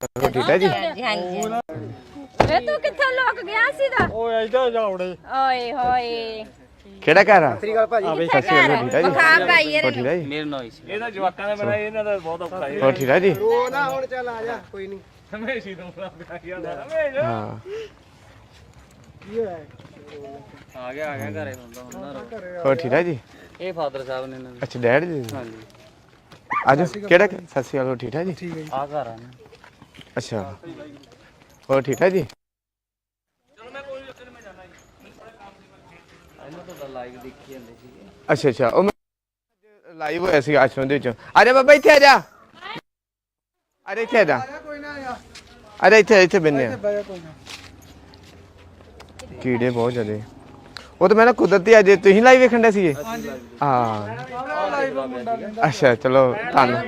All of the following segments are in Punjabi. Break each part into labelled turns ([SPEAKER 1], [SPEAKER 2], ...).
[SPEAKER 1] ਠੀਕ ਹੈ ਜੀ।
[SPEAKER 2] ਹਾਂਜੀ ਵੇ ਤੂੰ ਕਿੱਥੋਂ ਲੁਕ ਗਿਆ ਸੀ ਦਾ
[SPEAKER 3] ਓਏ ਇਧਰ ਜਾਉੜੇ
[SPEAKER 2] ਓਏ ਹੋਏ
[SPEAKER 1] ਕਿਹੜਾ ਘਰ ਆ?
[SPEAKER 3] ਸ੍ਰੀ ਅਕਾਲ ਭਾਜੀ
[SPEAKER 1] ਸਤਿ ਸ਼੍ਰੀ ਅਕਾਲ, ਠੀਕ ਹੈ ਜੀ।
[SPEAKER 2] ਖਾ ਭਾਈ
[SPEAKER 1] ਹੋਰ ਠੀਕ ਹੈ ਜੀ।
[SPEAKER 4] ਮੇਰੇ ਨਾਲ ਹੀ ਸੀ
[SPEAKER 3] ਇਹਦਾ ਜਵਾਕਾਂ ਦਾ ਬੜਾ ਇਹਨਾਂ ਦਾ ਬਹੁਤ ਔਖਾ ਹੈ।
[SPEAKER 1] ਹੋਰ ਠੀਕ ਹੈ ਜੀ।
[SPEAKER 3] ਰੋ ਨਾ ਹੁਣ ਚੱਲ ਆ ਜਾ ਕੋਈ ਨਹੀਂ ਹਮੇਸ਼ਾ ਤੋਂ ਬਣਾ ਗਿਆ ਹਮੇਸ਼ਾ
[SPEAKER 1] ਹਾਂ
[SPEAKER 3] ਕੀ ਹੋਇਆ
[SPEAKER 4] ਆ ਗਿਆ ਘਰੇ ਹੁੰਦਾ
[SPEAKER 1] ਹੋਰ ਠੀਕ ਹੈ ਜੀ।
[SPEAKER 4] ਇਹ ਫਾਦਰ ਸਾਹਿਬ ਨੇ ਇਹਨਾਂ ਦੇ
[SPEAKER 1] ਅੱਛਾ ਡੈਡ ਜੀ।
[SPEAKER 4] ਹਾਂਜੀ
[SPEAKER 1] ਆਜੋ ਕਿਹੜਾ ਸਤਿ ਸ਼੍ਰੀ ਅਕਾਲ, ਹੋਰ ਠੀਕ ਹੈ ਜੀ।
[SPEAKER 4] ਆ ਘਰ ਆ ਨਾ
[SPEAKER 1] ਅੱਛਾ ਹੋਰ ਠੀਕ ਹੈ ਜੀ।
[SPEAKER 4] ਇਹਨਾਂ ਤੋਂ ਤਾਂ ਲਾਈਵ ਦੇਖੀ ਜਾਂਦੇ ਸੀਗੇ।
[SPEAKER 1] ਅੱਛਾ ਅੱਛਾ ਉਹ ਲਾਈਵ ਹੋਇਆ ਸੀ ਆਸ਼ਰਮ ਦੇ ਵਿੱਚ। ਆ ਜਾ ਬਾਬਾ ਇੱਥੇ ਆ ਜਾ। ਅਰੇ ਇੱਥੇ ਆ ਜਾ।
[SPEAKER 3] ਕੋਈ ਨਾ ਆ
[SPEAKER 1] ਅਰੇ ਇੱਥੇ ਬੰਨੇ ਆ।
[SPEAKER 3] ਬਾਇਆ ਕੋਈ ਨਾ
[SPEAKER 1] ਕੀੜੇ ਬਹੁਤ ਜ਼ਿਆਦੇ। ਉਹ ਤਾਂ ਮੈਂ ਨਾ ਕੁਦਰਤੀ ਅੱਜ ਤੁਸੀਂ ਲਾਈਵ ਵੇਖਣ ਦੇ ਸੀਗੇ। ਹਾਂ ਅੱਛਾ ਚਲੋ ਧੰਨਵਾਦ।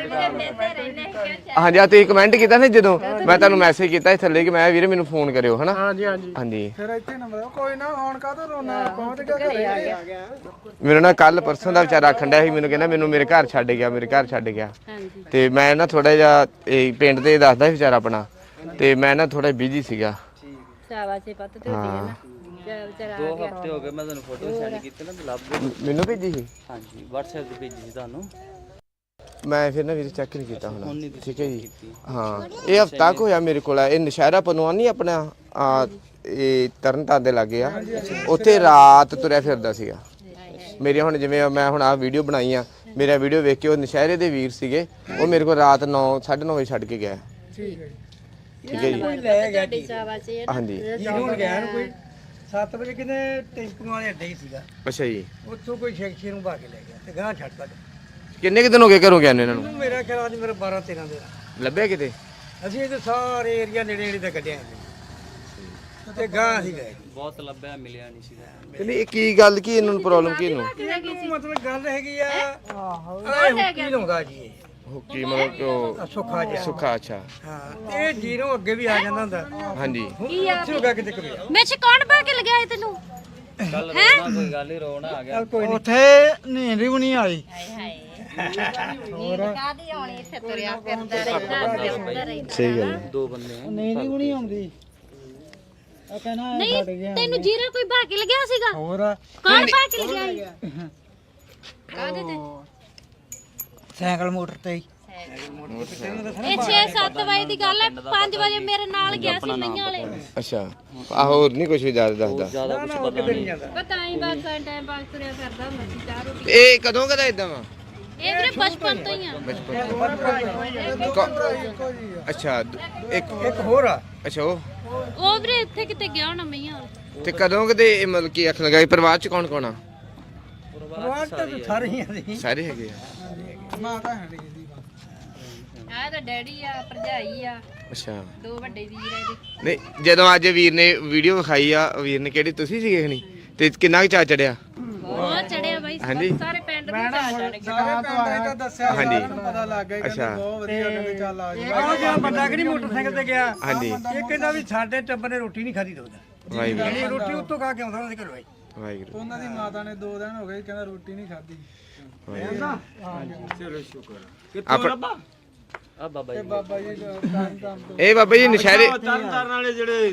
[SPEAKER 1] ਹਾਂਜੀ ਆ ਤੁਸੀਂ ਕਮੈਂਟ ਕੀਤਾ ਨਾ ਜਦੋਂ ਮੈਂ ਤੁਹਾਨੂੰ ਮੈਸੇਜ ਕੀਤਾ ਸੀ ਥੱਲੇ ਕਿ ਮੈਂ ਵੀਰੇ ਮੈਨੂੰ ਫੋਨ ਕਰਿਓ ਹਨਾ।
[SPEAKER 3] ਹਾਂਜੀ ਹਾਂਜੀ
[SPEAKER 1] ਹਾਂਜੀ
[SPEAKER 3] ਫਿਰ ਇੱਥੇ ਨੰਬਰ ਕੋਈ ਨਾ ਹੁਣ ਕਾਹਤੋਂ ਰੋਣਾ ਪਹੁੰਚ ਗਿਆ ਘਰੇ ਆ ਗਿਆ
[SPEAKER 1] ਮੈਨੂੰ ਨਾ ਕੱਲ ਪਰਸੋਂ ਦਾ ਵਿਚਾਰਾ ਆਖਣ ਡਿਆ ਸੀ ਮੈਨੂੰ ਕਹਿੰਦਾ ਮੈਨੂੰ ਮੇਰੇ ਘਰ ਛੱਡ ਗਿਆ ਮੇਰੇ ਘਰ ਛੱਡ ਗਿਆ। ਤੇ ਮੈਂ ਨਾ ਥੋੜਾ ਜਿਹਾ ਇਹ ਪਿੰਡ ਤੇ ਦੱਸਦਾ ਸੀ ਵਿਚਾਰਾ ਆਪਣਾ ਤੇ ਮੈਂ ਨਾ ਥੋੜਾ ਬਿਜੀ ਸੀਗਾ।
[SPEAKER 2] ਸ਼ਾਬਾਸ਼ ਪੱਤ ਤੇ ਹੁੰਦੀ ਹੈ ਨਾ ਵਿਚਾਰਾ
[SPEAKER 4] 2 ਹਫ਼ਤੇ ਹੋ ਗਏ ਮੈਂ ਤੁਹਾਨੂੰ ਫੋਟੋ ਸੈਂਡ ਕੀਤੀ ਨਾ ਲੱਭ ਗਏ।
[SPEAKER 1] ਮੈਨੂੰ ਭੇਜੀ ਸੀ।
[SPEAKER 4] ਹਾਂਜੀ WhatsApp ਤੇ ਭੇਜੀ ਸੀ ਤੁਹਾਨੂੰ।
[SPEAKER 1] ਮੈਂ ਫਿਰ ਨਾ ਵੀਰੇ ਚੈੱਕ ਨਹੀਂ ਕੀਤਾ ਹੁਣ।
[SPEAKER 4] ਹੁਣ
[SPEAKER 1] ਠੀਕ ਹੈ ਜੀ। ਹਾਂ ਇਹ ਹਫਤਾ ਕੁ ਹੋਇਆ ਮੇਰੇ ਕੋਲ ਇਹ ਨਸ਼ਹਿਰਾ ਪਨਵਾਨ ਨਹੀਂ ਆਪਣਾ ਇਹ ਤਰਨਤਾਰਨ ਦੇ ਲਾਗੇ ਆ ਉੱਥੇ ਰਾਤ ਤੁਰਿਆ ਫਿਰਦਾ ਸੀਗਾ। ਮੇਰੀ ਹੁਣ ਜਿਵੇਂ ਮੈਂ ਹੁਣ ਆਹ ਵੀਡੀਓ ਬਣਾਈ ਆ ਮੇਰਾ ਵੀਡੀਓ ਵੇਖ ਕੇ ਉਹ ਨਸ਼ਹਿਰੇ ਦੇ ਵੀਰ ਸੀਗੇ ਉਹ ਮੇਰੇ ਕੋਲ ਰਾਤ 9:30 ਵਜੇ ਛੱਡ ਕੇ ਗਿਆ।
[SPEAKER 3] ਠੀਕ ਹੈ
[SPEAKER 1] ਠੀਕ ਹੈ ਜੀ।
[SPEAKER 3] ਲੈ ਗਿਆ
[SPEAKER 2] ਤੁਹਾਡੀ ਸ਼ਾਬਾਸ਼ ਹੈ
[SPEAKER 1] ਹਾਂਜੀ
[SPEAKER 3] ਹੁਣ ਗਿਆ ਨੂੰ ਕੋਈ 7 ਵਜੇ ਕਿਤੇ ਟੈਂਪੂਆਂ ਵਾਲੇ ਅੱਡੇ ਹੀ ਸੀਗਾ
[SPEAKER 1] ਅੱਛਾ ਜੀ।
[SPEAKER 3] ਉੱਥੋਂ ਕੋਈ ਸ਼ੈਕਸ਼ੀ ਨੂੰ ਭਾ ਕੇ ਲੈ ਗਿਆ ਤੇ ਗਾਂ ਛੱਡਤਾ
[SPEAKER 1] ਕਿੰਨੇ ਕੁ ਦਿਨ ਹੋ ਗਏ ਘਰੋਂ ਗਿਆ ਨੇ ਇਹਨਾਂ ਨੂੰ?
[SPEAKER 3] ਮੈਨੂੰ ਮੇਰਾ ਖਿਆਲ ਅੱਜ ਮੇਰਾ 12 13 ਦੇ
[SPEAKER 1] ਲੱਭਿਆ ਕਿਤੇ?
[SPEAKER 3] ਅਸੀਂ ਇਹਦੇ ਸਾਰੇ ਏਰੀਆ ਨੇੜੇ ਨੇੜੇ ਤੇ ਕੱਢਿਆ ਤੇ ਗਾਂ ਅਸੀਂ ਗਏ
[SPEAKER 4] ਬਹੁਤ ਲੱਭਿਆ ਮਿਲਿਆ ਨਹੀਂ ਸੀਗਾ।
[SPEAKER 1] ਕਹਿੰਦੇ ਇਹ ਕੀ ਗੱਲ ਕੀ ਇਹਨਾਂ ਨੂੰ ਪ੍ਰੋਬਲਮ ਕੀ ਇਹਨੂੰ?
[SPEAKER 3] ਇਹਨੂੰ ਮਤਲਬ ਗੱਲ ਹੈਗੀ ਆ ਆਹੋ ਇਹ ਕੀ ਲਾਉਂਦਾ ਜੀ ਇਹ
[SPEAKER 1] ਉਹ ਕੀ ਮਤਲਬ ਕਿ ਉਹ
[SPEAKER 3] ਸੁੱਖਾ ਜਿਹਾ
[SPEAKER 1] ਸੁੱਖਾ ਅੱਛਾ
[SPEAKER 3] ਹਾਂ ਇਹ ਜੀਰੋ ਅੱਗੇ ਵੀ ਆ ਜਾਂਦਾ ਹੁੰਦਾ
[SPEAKER 1] ਹਾਂਜੀ।
[SPEAKER 3] ਹੁਣ ਇੱਥੇ ਹੋ ਗਿਆ ਕਿਤੇ ਕਰਿਆ
[SPEAKER 2] ਵਿੱਚ ਕੌਣ ਪਾ ਕੇ ਲਗਾਇਆ ਤੈਨੂੰ
[SPEAKER 4] ਕੱਲ ਰੋਣਾ ਕੋਈ ਗੱਲ ਹੀ ਰੋਣਾ ਆ ਗਿਆ।
[SPEAKER 3] ਕੋਈ ਨਹੀਂ ਉੱਥੇ ਨੀਂਦ ਵੀ ਨਹੀਂ ਆਈ
[SPEAKER 2] ਹਾਏ ਹਾਏ ਨੀਂਦ ਕਾਦੀ ਆਉਣੀ ਇੱਥੇ ਤੁਰਿਆ ਫਿਰਦਾ ਰਹਿੰਦਾ
[SPEAKER 1] ਸਹੀ ਗੱਲ ਹੈ।
[SPEAKER 4] 2 ਬੰਦੇ ਆ।
[SPEAKER 3] ਨੀਂਦ ਵੀ ਨਹੀਂ ਆਉਂਦੀ ਆ ਕਹਿਣਾ
[SPEAKER 2] ਨਹੀਂ ਤੈਨੂੰ ਜੀਰਾ ਕੋਈ ਭਾ ਕੇ ਲਗਿਆ ਸੀਗਾ
[SPEAKER 3] ਹੋਰ
[SPEAKER 2] ਕੌਣ ਭਾ ਕੇ ਲਗਿਆ ਕਾਦੇ ਤੇ
[SPEAKER 3] ਸਾਈਕਲ ਮੋਟਰ ਤੇ ਹੀ
[SPEAKER 2] ਇਹ 6-7 ਵਜੇ ਦੀ ਗੱਲ ਹੈ 5 ਵਜੇ ਮੇਰੇ ਨਾਲ ਗਿਆ ਸੀ ਨਈਆਂ ਵਾਲੇ
[SPEAKER 1] ਅੱਛਾ ਆਹ ਹੋਰ ਨਹੀਂ ਕੁਝ ਵੀ ਜ਼ਿਆਦਾ ਦੱਸਦਾ।
[SPEAKER 4] ਜ਼ਿਆਦਾ ਕੁਝ ਪਤਾ ਨਹੀਂ।
[SPEAKER 2] ਪਤਾ ਹੀ ਬਸ ਟਾਈਮ ਪਾਸ ਤੁਰਿਆ ਫਿਰਦਾ ਹੁੰਦਾ ਸੀ ਚਾਹ ਰੋਟੀ
[SPEAKER 1] ਇਹ ਕਦੋਂ ਕਦਾ ਇਦਾਂ ਵਾ?
[SPEAKER 2] ਇਹ ਵੀਰੇ ਬਚਪਨ ਤੋਂ ਹੀ ਆ
[SPEAKER 1] ਅੱਛਾ
[SPEAKER 3] ਇੱਕ ਹੋਰ ਆ
[SPEAKER 1] ਅੱਛਾ
[SPEAKER 2] ਉਹ ਵੀਰੇ ਇੱਥੇ ਕਿਤੇ ਗਿਆ ਹੋਣਾ ਮਈਆਂ
[SPEAKER 1] ਤੇ ਕਦੋਂ ਕਦੇ ਇਹ ਮਤਲਬ ਕੀ ਆਖਣ ਲੱਗਾ ਪਰਿਵਾਰ ਚ ਕੌਣ ਕੌਣ ਆ?
[SPEAKER 3] ਪਰਿਵਾਰ ਤੇ ਸਾਰੇ ਹੀ ਆ
[SPEAKER 1] ਸਾਰੇ ਹੈਗੇ ਆ।
[SPEAKER 3] ਮਾਤਾ ਹੈ ਜੀ
[SPEAKER 2] ਆਹ ਤਾਂ ਡੈਡੀ ਆ ਭਰਜਾਈ ਆ
[SPEAKER 1] ਅੱਛਾ
[SPEAKER 2] 2 ਵੱਡੇ ਵੀਰ ਆ ਇਹਦੇ
[SPEAKER 1] ਨਹੀਂ ਜਦੋਂ ਅੱਜ ਵੀਰ ਨੇ ਵੀਡੀਓ ਵਿਖਾਈ ਆ ਵੀਰ ਨੇ ਕਿਹੜੀ ਤੁਸੀਂ ਸੀਗੇ ਖਣੀ ਤੇ ਕਿੰਨਾ ਕੁ ਚਾ ਚੜਿਆ?
[SPEAKER 2] ਬਹੁਤ ਚੜਿਆ ਬਾਈ
[SPEAKER 1] ਹਾਂਜੀ।
[SPEAKER 2] ਸਾਰੇ ਪਿੰਡ ਨੂੰ ਚਾ ਚੜ ਗਿਆ
[SPEAKER 3] ਸਾਰੇ ਪਿੰਡ ਦਾ ਦੱਸਿਆ
[SPEAKER 1] ਹਾਂਜੀ।
[SPEAKER 3] ਪਤਾ ਲੱਗ ਗਿਆ
[SPEAKER 1] ਅੱਛਾ
[SPEAKER 3] ਬਹੁਤ ਵਧੀਆ ਕਹਿੰਦੇ ਚੱਲ ਆ ਜੀ ਉਹ ਜਿਹੜਾ ਬੰਦਾ ਕਿ ਨਹੀਂ ਮੋਟਰਸਾਈਕਲ ਤੇ ਗਿਆ
[SPEAKER 1] ਹਾਂਜੀ
[SPEAKER 3] ਇਹ ਕਹਿੰਦਾ ਵੀ ਸਾਡੇ ਟੱਬਰ ਨੇ ਰੋਟੀ ਨਹੀਂ ਖਾਧੀ ਦੋਦਾ
[SPEAKER 1] ਵਾਹਿਗੁਰੂ
[SPEAKER 3] ਇਹ ਰੋਟੀ ਉੱਤੋਂ ਖਾ ਕੇ ਆਉਂਦਾ ਉਹਨਾਂ ਦੇ ਘਰੋਂ
[SPEAKER 1] ਵਾਹਿਗੁਰੂ
[SPEAKER 3] ਉਹਨਾਂ ਦੀ ਮਾਤਾ ਨੇ 2 ਦਿਨ ਹੋ ਗਏ ਕਹਿੰਦਾ ਰੋਟੀ ਨਹੀਂ ਖਾਧੀ
[SPEAKER 1] ਆਪਣਾ
[SPEAKER 4] ਆ ਬਾਬਾ ਜੀ
[SPEAKER 3] ਬਾਬਾ ਜੀ ਤਾਂ
[SPEAKER 1] ਇਹ ਬਾਬਾ ਜੀ ਨਸ਼ਹਿਰੇ
[SPEAKER 3] ਤਰਨ ਵਾਲੇ ਜਿਹੜੇ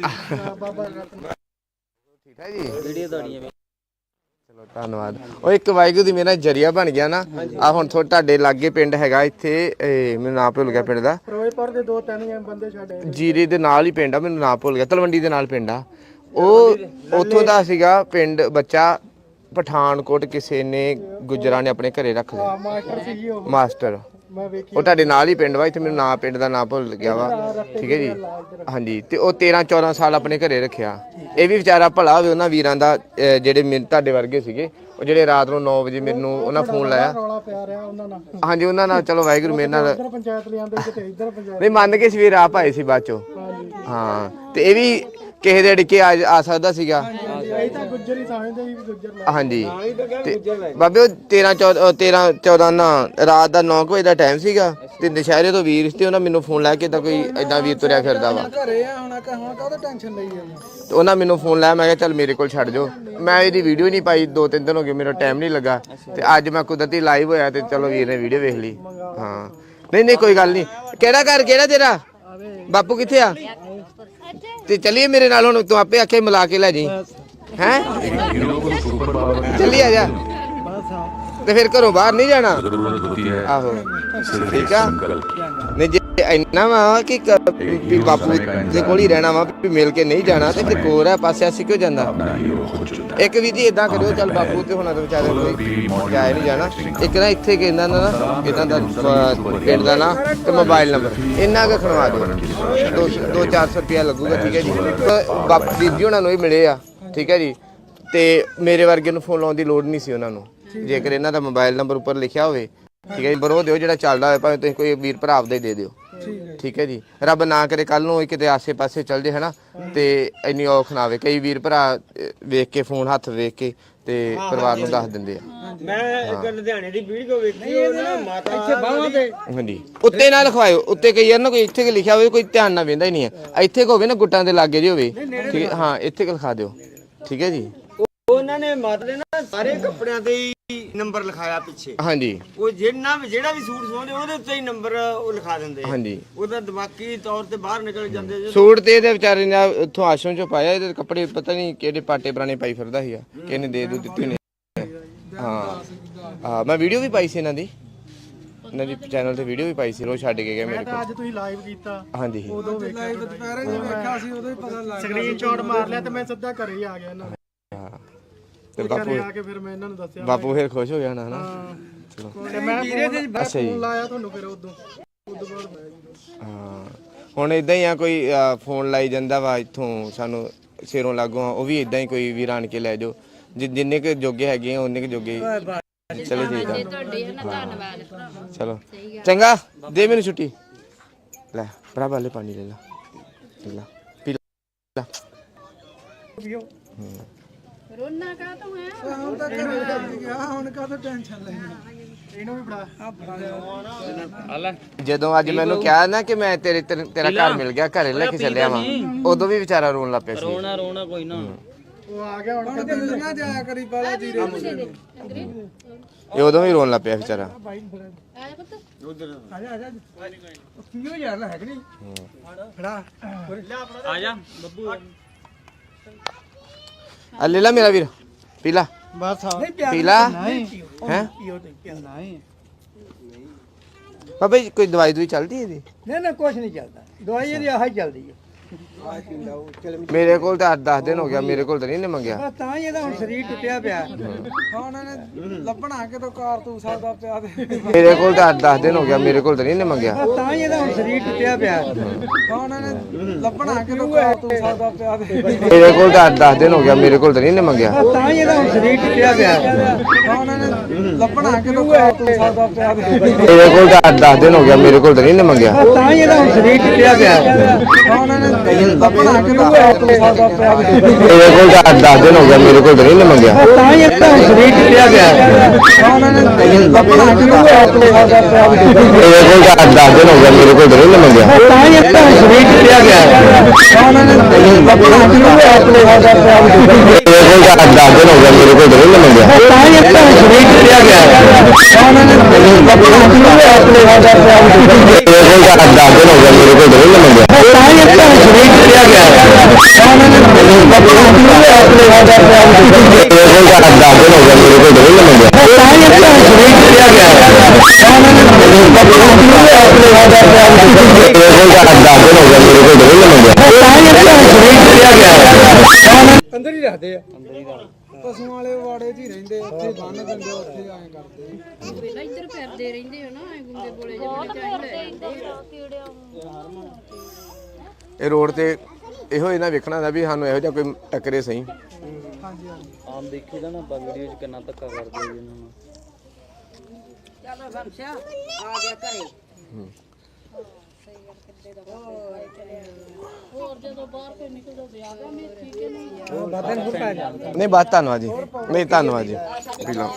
[SPEAKER 1] ਠੀਕ ਹੈ ਜੀ।
[SPEAKER 4] ਵੀਡੀਓ ਤੁਹਾਡੀਆਂ ਵੀ
[SPEAKER 1] ਚਲੋ ਧੰਨਵਾਦ। ਉਹ ਇੱਕ ਵਾਹਿਗੁਰੂ ਦੀ ਮੇਰਾ ਜਰੀਆ ਬਣ ਗਿਆ ਨਾ ਆ ਹੁਣ ਤੁਹਾਡੇ ਲਾਗੇ ਪਿੰਡ ਹੈਗਾ ਇੱਥੇ ਮੈਨੂੰ ਨਾਂ ਭੁੱਲ ਗਿਆ ਪਿੰਡ ਦਾ
[SPEAKER 3] ਫਿਰੋਜ਼ਪੁਰ ਦੇ 2-3 ਬੰਦੇ ਛੱਡੇ
[SPEAKER 1] ਜੀਰੇ ਦੇ ਨਾਲ ਹੀ ਪਿੰਡ ਆ ਮੈਨੂੰ ਨਾਂ ਭੁੱਲ ਗਿਆ ਤਲਵੰਡੀ ਦੇ ਨਾਲ ਪਿੰਡ ਆ ਉਹ ਉੱਥੋਂ ਦਾ ਸੀਗਾ ਪਿੰਡ ਬੱਚਾ ਪਠਾਨਕੋਟ ਕਿਸੇ ਨੇ ਗੁੱਜਰਾਂ ਨੇ ਆਪਣੇ ਘਰੇ ਰੱਖ ਲਿਆ
[SPEAKER 3] ਮਾਸਟਰ ਸੀ ਜੀ ਉਹ
[SPEAKER 1] ਮਾਸਟਰ
[SPEAKER 3] ਮੈਂ ਵੇਖੀ
[SPEAKER 1] ਉਹ ਤੁਹਾਡੇ ਨਾਲ ਹੀ ਪਿੰਡ ਵਾ ਇੱਥੇ ਮੈਨੂੰ ਨਾਂ ਪਿੰਡ ਦਾ ਨਾਂ ਭੁੱਲ ਗਿਆ ਵਾ ਠੀਕ ਹੈ ਜੀ ਹਾਂਜੀ ਤੇ ਉਹ 13-14 ਸਾਲ ਆਪਣੇ ਘਰੇ ਰੱਖਿਆ ਇਹ ਵੀ ਵਿਚਾਰਾ ਭਲਾ ਹੋਵੇ ਉਹਨਾਂ ਵੀਰਾਂ ਦਾ ਜਿਹੜੇ ਤੁਹਾਡੇ ਵਰਗੇ ਸੀਗੇ ਉਹ ਜਿਹੜੇ ਰਾਤ ਨੂੰ 9 ਵਜੇ ਮੈਨੂੰ ਉਹਨਾਂ ਫੋਨ ਲਾਇਆ
[SPEAKER 3] ਰੌਲਾ ਪਿਆ ਰਿਹਾ ਉਹਨਾਂ ਨਾਲ
[SPEAKER 1] ਹਾਂਜੀ ਉਹਨਾਂ ਨਾਲ ਚਲੋ ਵਾਹਿਗੁਰੂ ਮੇਰੇ ਨਾਲ
[SPEAKER 3] ਇੱਧਰ ਪੰਚਾਇਤ ਲਿਆਂਦੇ ਕਿਤੇ ਇੱਧਰ ਪੰਚਾਇਤ
[SPEAKER 1] ਨਹੀਂ ਮੰਨ ਕੇ ਸਵੇਰ ਆਪ ਆਏ ਸੀ ਬਾਅਦ ਚੋਂ ਹਾਂ ਤੇ ਇਹ ਵੀ ਕਿਸੇ ਦੇ ਅੜਕੇ ਆ ਸਕਦਾ ਸੀਗਾ
[SPEAKER 3] ਇਹ ਤਾਂ ਗੁੱਜਰ ਹੀ ਸਮਝਦੇ ਸੀ ਵੀ ਗੁੱਜਰ ਲੈ
[SPEAKER 1] ਹਾਂਜੀ ਤੇ ਬਾਬੇ ਉਹ 13-14 ਨਾ ਰਾਤ ਦਾ 9 ਵਜੇ ਦਾ ਟਾਈਮ ਸੀਗਾ ਤੇ ਦੁਸ਼ਹਿਰੇ ਤੋਂ ਵੀਰ ਤੇ ਉਹਨਾਂ ਮੈਨੂੰ ਫੋਨ ਲਾਇਆ ਕਿ ਤਾਂ ਕੋਈ ਐਦਾਂ ਵੀਰ ਤੁਰਿਆ ਫਿਰਦਾ ਵਾ
[SPEAKER 3] ਘਰੇ ਆ ਹੁਣ ਕਾਹਦਾ ਟੈਨਸ਼ਨ ਲਈ ਆ
[SPEAKER 1] ਤੇ ਉਹਨਾਂ ਮੈਨੂੰ ਫੋਨ ਲਾਇਆ ਮੈਂ ਕਿਹਾ ਚੱਲ ਮੇਰੇ ਕੋਲ ਛੱਡ ਜਾਓ ਮੈਂ ਇਹਦੀ ਵੀਡੀਓ ਨਹੀਂ ਪਾਈ 2-3 ਦਿਨ ਹੋ ਗਏ ਮੇਰਾ ਟਾਈਮ ਨਹੀਂ ਲੱਗਾ ਤੇ ਅੱਜ ਮੈਂ ਕੁਦਰਤੀ ਲਾਈਵ ਹੋਇਆ ਤੇ ਚਲੋ ਵੀਰ ਨੇ ਵੀਡੀਓ ਵੇਖ ਲਈ ਹਾਂ ਨਹੀਂ ਕੋਈ ਗੱਲ ਨਹੀਂ ਕਿਹੜਾ ਘਰ ਕਿਹੜਾ ਤੇਰਾ ਬਾਪੂ ਕਿੱਥੇ ਆ ਤੇ ਚੱਲੀਏ ਮੇਰੇ ਨਾਲ ਹੁਣ ਤੂੰ ਆਪੇ ਆਖੇ ਮਿਲਾ ਕੇ ਲੈ ਜੀ ਹੈ ਚੱਲੀ ਆ ਜਾ ਤੇ ਫਿਰ ਘਰੋਂ ਬਾਹਰ ਨਹੀਂ ਜਾਣਾ ਆਹੋ ਠੀਕ ਆ ਨਹੀਂ ਜੇ ਇੰਨਾ ਵਾ ਕਿ ਵੀ ਬਾਪੂ ਦੇ ਕੋਲ ਹੀ ਰਹਿਣਾ ਵਾ ਵੀ ਮਿਲ ਕੇ ਨਹੀਂ ਜਾਣਾ ਤੇ ਫਿਰ ਕੋਰ ਹੈ ਪਾਸੇ ਅਸੀਂ ਕਿਉਂ ਜਾਂਦਾ ਇੱਕ ਵੀ ਜੀ ਇਦਾਂ ਕਰਿਓ ਚੱਲ ਬਾਪੂ ਤੇ ਹੁਣਾਂ ਦੇ ਵਿਚਾਰੇ ਕੋਈ ਜਾਏ ਨਹੀਂ ਜਾਣਾ ਇੱਕ ਨਾ ਇੱਥੇ ਕਹਿੰਦਾ ਨਾ ਇਦਾਂ ਦਾ ਪਿੰਡ ਦਾ ਨਾ ਤੇ ਮੋਬਾਈਲ ਨੰਬਰ ਇੰਨਾ ਕੁ ਖਣਵਾ ਦਿਓ 200-400 ਰੁਪਇਆ ਲੱਗੂਗਾ ਠੀਕ ਹੈ ਜੀ ਬਾਪੂ ਬੀਬੀ ਹੁਣਾਂ ਨੂੰ ਹੀ ਮਿਲੇ ਆ ਠੀਕ ਹੈ ਜੀ ਤੇ ਮੇਰੇ ਵਰਗੇ ਨੂੰ ਫੋਨ ਲਾਉਣ ਦੀ ਲੋੜ ਨਹੀਂ ਸੀ ਉਹਨਾਂ ਨੂੰ ਜੇਕਰ ਇਹਨਾਂ ਦਾ ਮੋਬਾਈਲ ਨੰਬਰ ਉੱਪਰ ਲਿਖਿਆ ਹੋਵੇ ਠੀਕ ਹੈ ਜੀ ਬਰੋ ਦਿਓ ਜਿਹੜਾ ਚੱਲਦਾ ਹੋਵੇ ਭਾਵੇਂ ਤੁਸੀਂ ਕੋਈ ਵੀਰ ਭਰਾ ਆਪਦਾ ਹੀ ਦੇ ਦਿਓ ਠੀਕ ਹੈ ਜੀ ਰੱਬ ਨਾ ਕਰੇ ਕੱਲ ਨੂੰ ਕਿਤੇ ਆਸੇ-ਪਾਸੇ ਚੱਲ ਜੇ ਹਨਾ ਤੇ ਇੰਨੀ ਔਖ ਨਾ ਆਵੇ ਕਈ ਵੀਰ ਭਰਾ ਵੇਖ ਕੇ ਫੋਨ ਹੱਥ ਵੇਖ ਕੇ ਤੇ ਪਰਿਵਾਰ ਨੂੰ ਦੱਸ ਦਿੰਦੇ ਆ
[SPEAKER 3] ਮੈਂ ਇੱਕ ਲੁਧਿਆਣੇ ਦੀ ਵੀਡੀਓ ਵੇਖੀ ਉਹ ਨਾ ਮਾਤਾ ਇੱਥੇ ਬਾਹਾਂ ਤੇ
[SPEAKER 1] ਹਾਂਜੀ ਉੱਤੇ ਨਾ ਲਿਖਵਾਇਓ ਉੱਤੇ ਕਈ ਯਾਰ ਨਾ ਕੋਈ ਇੱਥੇ ਲਿਖਿਆ ਹੋਵੇ ਕੋਈ ਧਿਆਨ ਨਾਲ ਵੇਂਦਾ ਹੀ ਨਹੀਂ ਹੈ ਇੱਥੇ ਹੋਵੇ ਨਾ ਗੁੱਟਾਂ ਦੇ ਲਾਗੇ ਜੇ ਹੋਵੇ ਠੀਕ ਹੈ ਹਾਂ ਇੱਥੇ ਲਿਖਾ ਦਿਓ ਠੀਕ ਹੈ ਜੀ
[SPEAKER 3] ਉਹਨਾਂ ਨੇ ਮਾਤਾ ਦੇ ਨਾ ਸਾਰੇ ਕੱਪੜਿਆਂ ਤੇ ਹੀ ਨੰਬਰ ਲਿਖਾਇਆ ਪਿੱਛੇ
[SPEAKER 1] ਹਾਂਜੀ
[SPEAKER 3] ਉਹ ਜਿਹੜਾ ਵੀ ਸੂਟ ਸਵਾਉਂਦੇ ਉਹਦੇ ਉੱਤੇ ਹੀ ਨੰਬਰ ਉਹ ਲਿਖਾ ਦਿੰਦੇ ਆ
[SPEAKER 1] ਹਾਂਜੀ
[SPEAKER 3] ਉਹਦਾ ਦਿਮਾਗੀ ਤੌਰ ਤੇ ਬਾਹਰ ਨਿਕਲ ਜਾਂਦੇ ਜੇ
[SPEAKER 1] ਸੂਟ ਤੇ ਇਹਦੇ ਵਿਚਾਰੇ ਨੇ ਉੱਥੋਂ ਆਸ਼ਰਮ ਚੋਂ ਪਾਇਆ ਇਹਦੇ ਕੱਪੜੇ ਪਤਾ ਨਹੀਂ ਕਿਹੜੇ ਪਾਟੇ ਪੁਰਾਣੇ ਪਾਈ ਫਿਰਦਾ ਸੀਗਾ ਕਿਹਨੇ ਦੇ ਦਿੱਤੇ ਨੇ ਹਾਂ ਮੈਂ ਵੀਡੀਓ ਵੀ ਪਾਈ ਸੀ ਇਹਨਾਂ ਦੀ ਚੈਨਲ ਤੇ ਵੀਡੀਓ ਵੀ ਪਾਈ ਸੀ ਰੋ ਛੱਡ ਕੇ ਗਏ ਮੇਰੇ ਕੋਲ
[SPEAKER 5] ਅੱਜ ਤੁਸੀਂ ਲਾਈਵ ਕੀਤਾ
[SPEAKER 1] ਹਾਂਜੀ
[SPEAKER 5] ਉਦੋਂ ਲਾਈਵ ਦੁਪਹਿਰੇ ਜੇ ਵੇਖਿਆ ਸੀ ਉਦੋਂ ਹੀ ਪਤਾ ਲੱਗ ਗਿਆ ਸਕਰੀਨ ਸ਼ਾਟ ਮਾਰ ਲਿਆ ਤੇ ਮੈਂ ਸਿੱਧਾ ਘਰੇ ਹੀ ਆ ਗਿਆ ਇਹਨਾਂ ਦੇ
[SPEAKER 1] ਹਾਂ ਤੇ ਬਾਪੂ
[SPEAKER 5] ਆ ਕੇ ਫਿਰ ਮੈਂ ਇਹਨਾਂ ਨੂੰ ਦੱਸਿਆ
[SPEAKER 1] ਬਾਪੂ ਫਿਰ ਖੁਸ਼ ਹੋ ਗਿਆ ਨਾ ਹਨਾ ਚਲੋ
[SPEAKER 5] ਤੇ ਮੈਂ
[SPEAKER 1] ਅੱਛਾ ਜੀ
[SPEAKER 5] ਫੋਨ ਲਾਇਆ ਤੁਹਾਨੂੰ ਫਿਰ ਉਦੋਂ ਬਾਅਦ
[SPEAKER 1] ਹਾਂ ਹੁਣ ਇਦਾਂ ਹੀ ਆ ਕੋਈ ਫੋਨ ਲਾਈ ਜਾਂਦਾ ਵਾ ਇੱਥੋਂ ਸਾਨੂੰ ਸਿਰੋਂ ਲਾਗੋਂ ਉਹ ਵੀ ਇਦਾਂ ਹੀ ਕੋਈ ਵੀਰ ਆਣ ਕੇ ਲੈ ਜਾਓ ਜਿੰਨੇ ਕੁ ਜੋਗੇ ਹੈਗੇ ਆ ਉਹਨੇ ਕੁ ਜੋਗੇ ਚਲੋ ਠੀਕ ਆ
[SPEAKER 2] ਧੰਨਵਾਦ
[SPEAKER 1] ਚਲੋ ਚੰਗਾ ਦੇ ਮੈਨੂੰ ਛੁੱਟੀ ਲੈ ਭਰਾ ਵਾਲੇ ਪਾਣੀ ਲੈ ਲਾ ਪੀ ਲਾ
[SPEAKER 2] ਰੋਣਾ ਕਾ ਤੂੰ ਹੈ
[SPEAKER 5] ਹੁਣ ਤਾਂ ਘਰੇ ਗਿਆ ਹੁਣ ਕਾਹਦਾ ਟੈਨਸ਼ਨ ਲੈਣੀ ਇਹਨੂੰ ਵੀ ਬੜਾ
[SPEAKER 1] ਜਦੋਂ ਅੱਜ ਮੈਨੂੰ ਕਿਹਾ ਨਾ ਕਿ ਮੈਂ ਤੇਰਾ ਘਰ ਮਿਲ ਗਿਆ ਘਰੇ ਲੈ ਕੇ ਚੱਲਿਆ ਵਾਂ ਉਦੋਂ ਵੀ ਵਿਚਾਰਾ ਰੋਣ ਲੱਗ ਪਿਆ ਸੀ
[SPEAKER 4] ਰੋਣਾ ਕੋਈ ਨਾ
[SPEAKER 5] ਉਹ ਆ ਗਿਆ ਹੁਣ ਕਦੇ ਨਾ ਜਾਇਆ ਕਰੀ ਬਾਲਾ ਜੀਰੇ
[SPEAKER 1] ਇਹ ਉਦੋਂ ਵੀ ਰੋਣ ਲੱਗ ਪਿਆ ਵਿਚਾਰਾ
[SPEAKER 5] ਆ ਜਾ ਕੀ ਹੋ ਯਾਰ ਹੈ ਕਿ ਨਹੀਂ ਫੜਾ
[SPEAKER 4] ਆ ਜਾ ਬੱਬੂ
[SPEAKER 1] ਆ ਲੈ ਲਾ ਮੇਰਾ ਵੀਰ ਪੀ ਲਾ
[SPEAKER 5] ਬਸ
[SPEAKER 1] ਪੀ ਲਾ ਹੈ
[SPEAKER 5] ਨਹੀਂ
[SPEAKER 1] ਬਾਬਾ ਜੀ ਕੋਈ ਦਵਾਈ ਚੱਲਦੀ ਇਹਦੀ
[SPEAKER 5] ਨਾ ਕੁਝ ਨਹੀਂ ਚੱਲਦਾ ਦਵਾਈ ਇਹਦੀ ਆਹ ਹੀ ਚੱਲਦੀ ਹੈ
[SPEAKER 1] ਮੇਰੇ ਕੋਲ ਤਾਂ 10 ਦਿਨ ਹੋ ਗਿਆ ਮੇਰੇ ਕੋਲ ਤਾਂ ਨਹੀਂ ਨੇ ਮੰਗਿਆ
[SPEAKER 5] ਤਾਂ ਹੀ ਇਹਦਾ ਹੁਣ ਸਰੀਰ ਟੁੱਟਿਆ ਪਿਆ ਹੁਣ ਇਹਨੇ ਲੱਭਣਾ ਕਿਤੋਂ ਕਾਰਤੂਸ ਆਦਾ ਪਿਆ
[SPEAKER 1] ਮੇਰੇ ਕੋਲ ਤਾਂ 10 ਦਿਨ ਹੋ ਗਿਆ ਮੇਰੇ ਕੋਲ ਤਾਂ ਨਹੀਂ ਨੇ ਮੰਗਿਆ
[SPEAKER 5] ਤਾਂ ਹੀ ਇਹਦਾ ਹੁਣ ਸਰੀਰ ਟੁੱਟਿਆ ਪਿਆ ਹੁਣ ਇਹਨੇ ਲੱਭਣਾ ਕਿਤੋਂ ਕਾਰਤੂਸ ਆਦਾ ਪਿਆ
[SPEAKER 1] ਮੇਰੇ ਕੋਲ ਤਾਂ 10 ਦਿਨ ਹੋ ਗਿਆ ਮੇਰੇ ਕੋਲ ਤਾਂ ਨਹੀਂ ਨੇ ਮੰਗਿਆ
[SPEAKER 5] ਤਾਂ ਹੀ ਇਹਦਾ ਹੁਣ ਸਰੀਰ ਟੁੱਟਿਆ ਪਿਆ ਹੁਣ ਇਹਨੇ ਲੱਭਣਾ ਕਿਤੋਂ ਕਾਰਤੂਸ ਆਦਾ ਪਿਆ
[SPEAKER 1] ਮੇਰੇ ਕੋਲ ਤਾਂ 10 ਦਿਨ ਹੋ ਗਿਆ ਮੇਰੇ ਕੋਲ ਤਾਂ ਨਹੀਂ ਨੇ ਮੰਗਿਆ
[SPEAKER 5] ਤਾਂ ਹੀ ਇਹਦਾ ਹੁਣ ਸਰੀਰ ਟੁੱਟਿਆ ਪਿਆ ਹੁਣ ਇਹਨੇ ਲੱਭਣਾ ਕਿਤੋਂ ਕਾਰਤੂਸ ਆਦਾ ਪਿਆ
[SPEAKER 1] ਮੇਰੇ ਕੋਲ ਤਾਂ 10 ਦਿਨ ਹੋ ਗਿਆ ਮੇਰੇ ਕੋਲ ਤਾਂ ਨਹੀਂ ਨੇ ਮੰਗਿਆ
[SPEAKER 5] ਤਾਂ ਹੀ ਇਹਦਾ ਹੁਣ ਸਰੀਰ ਟੁੱਟਿਆ ਪਿਆ ਹੁਣ ਇਹਨੇ ਲੱਭਣਾ ਕਿਤੋਂ ਕਾਰਤੂਸ ਆਦਾ ਪਿਆ
[SPEAKER 1] ਮੇਰੇ ਕੋਲ ਤਾਂ 10 ਦਿਨ ਹੋ ਗਿਆ ਮੇਰੇ ਕੋਲ ਤਾਂ ਨਹੀਂ ਨੇ ਮੰਗਿਆ
[SPEAKER 5] ਤਾਂ ਹੀ ਇਹਦਾ ਹੁਣ ਸਰੀਰ ਟੁੱਟਿਆ ਪਿਆ ਹੁਣ ਇਹਨੇ ਲੱਭਣਾ ਕਿਤੋਂ ਕਾਰਤੂਸ ਆਦਾ ਪਿਆ
[SPEAKER 1] ਮੇਰੇ ਕੋਲ ਤਾਂ 10 ਦਿਨ ਹੋ ਗਿਆ ਮੇਰੇ ਕੋਲ ਤਾਂ ਨਹੀਂ ਨੇ ਮੰਗਿਆ
[SPEAKER 5] ਤਾਂ ਹੀ ਇਹਦਾ ਹੁਣ ਸਰੀਰ ਟੁੱਟਿਆ ਪਿਆ ਹੁਣ ਇਹਨੇ ਲੱਭਣਾ ਕਿਤੋਂ ਕਾਰਤੂਸ ਆਦਾ ਪਿਆ
[SPEAKER 1] ਮੇਰੇ ਕੋਲ ਤਾਂ 10 ਦਿਨ ਹੋ ਗਿਆ ਮੇਰੇ ਕੋਲ ਤਾਂ ਨਹੀਂ ਨੇ ਮੰਗਿਆ
[SPEAKER 5] ਤਾਂ ਹੀ ਇਹਦਾ ਹੁਣ ਸਰੀਰ ਟੁੱਟਿਆ ਪਿਆ ਹੁਣ ਇਹਨੇ ਲੱਭਣਾ ਕਿਤੋਂ ਕਾਰਤੂਸ ਆਦਾ ਪਿਆ
[SPEAKER 1] ਮੇਰੇ ਕੋਲ ਤਾਂ 10 ਦਿਨ ਹੋ ਗਿਆ ਮੇਰੇ ਕੋਲ ਤਾਂ ਨਹੀਂ ਨੇ ਮੰਗਿਆ
[SPEAKER 5] ਤਾਂ ਹੀ ਇਹਦਾ ਹੁਣ ਸਰੀਰ ਟੁੱਟਿਆ ਪਿਆ ਹੁਣ ਇਹਨੇ ਲੱਭਣਾ ਕਿਤੋਂ ਕਾਰਤੂਸ ਆਦਾ ਪਿਆ
[SPEAKER 1] ਮੇਰੇ ਕੋਲ ਤਾਂ 10 ਦਿਨ ਹੋ ਗਿਆ ਮੇਰੇ ਕੋਲ ਤਾਂ ਨਹੀਂ ਨੇ ਮੰਗਿਆ
[SPEAKER 5] ਤਾਂ ਹੀ ਇਹਦਾ ਹੁਣ ਸਰੀਰ ਟੁੱਟਿਆ ਪਿਆ ਅੰਦਰ ਹੀ ਰੱਖਦੇ ਆ ਪਸ਼ੂਆਂ ਵਾਲੇ ਵਾੜੇ 'ਚ ਹੀ ਰਹਿੰਦੇ ਉੱਥੇ ਬੰਨ ਦਿੰਦੇ ਉੱਥੇ ਐਂ ਕਰਦੇ
[SPEAKER 2] ਪਹਿਲਾਂ ਇੱਧਰ ਫਿਰਦੇ ਰਹਿੰਦੇ ਹੋ ਨਾ ਗੁੰਗੇ ਬੋਲੇ ਜਿਹੇ
[SPEAKER 1] ਇਹ ਰੋਡ ਤੇ ਇਹੋ ਇਹਨਾਂ ਵੇਖਣਾ ਦਾ ਵੀ ਸਾਨੂੰ ਇਹੋ ਜਿਹਾ ਕੋਈ ਟੱਕਰੇ ਸਹੀ
[SPEAKER 5] ਹਾਂਜੀ ਹਾਂਜੀ
[SPEAKER 4] ਆਮ ਦੇਖੀ ਦਾ ਨਾ ਆਪਾਂ ਵੀਡੀਓ 'ਚ ਕਿੰਨਾ ਧੱਕਾ ਕਰਦੇ ਜੀ ਇਹਨਾਂ ਨੂੰ
[SPEAKER 2] ਹੋਰ ਜਦੋਂ ਬਾਹਰ ਕੇ ਨਿਕਲਦਾ ਵਿਆਹ ਦਾ ਮੇਥੀ ਕੇ ਨਹੀਂ
[SPEAKER 5] ਬਾਦਨ ਨੂੰ ਪੈ ਜਾਂਦਾ
[SPEAKER 1] ਨਹੀਂ ਬਾਤ ਧੰਨਵਾਦ ਜੀ ਨਹੀਂ ਧੰਨਵਾਦ ਜੀ ਪੀ ਲਓ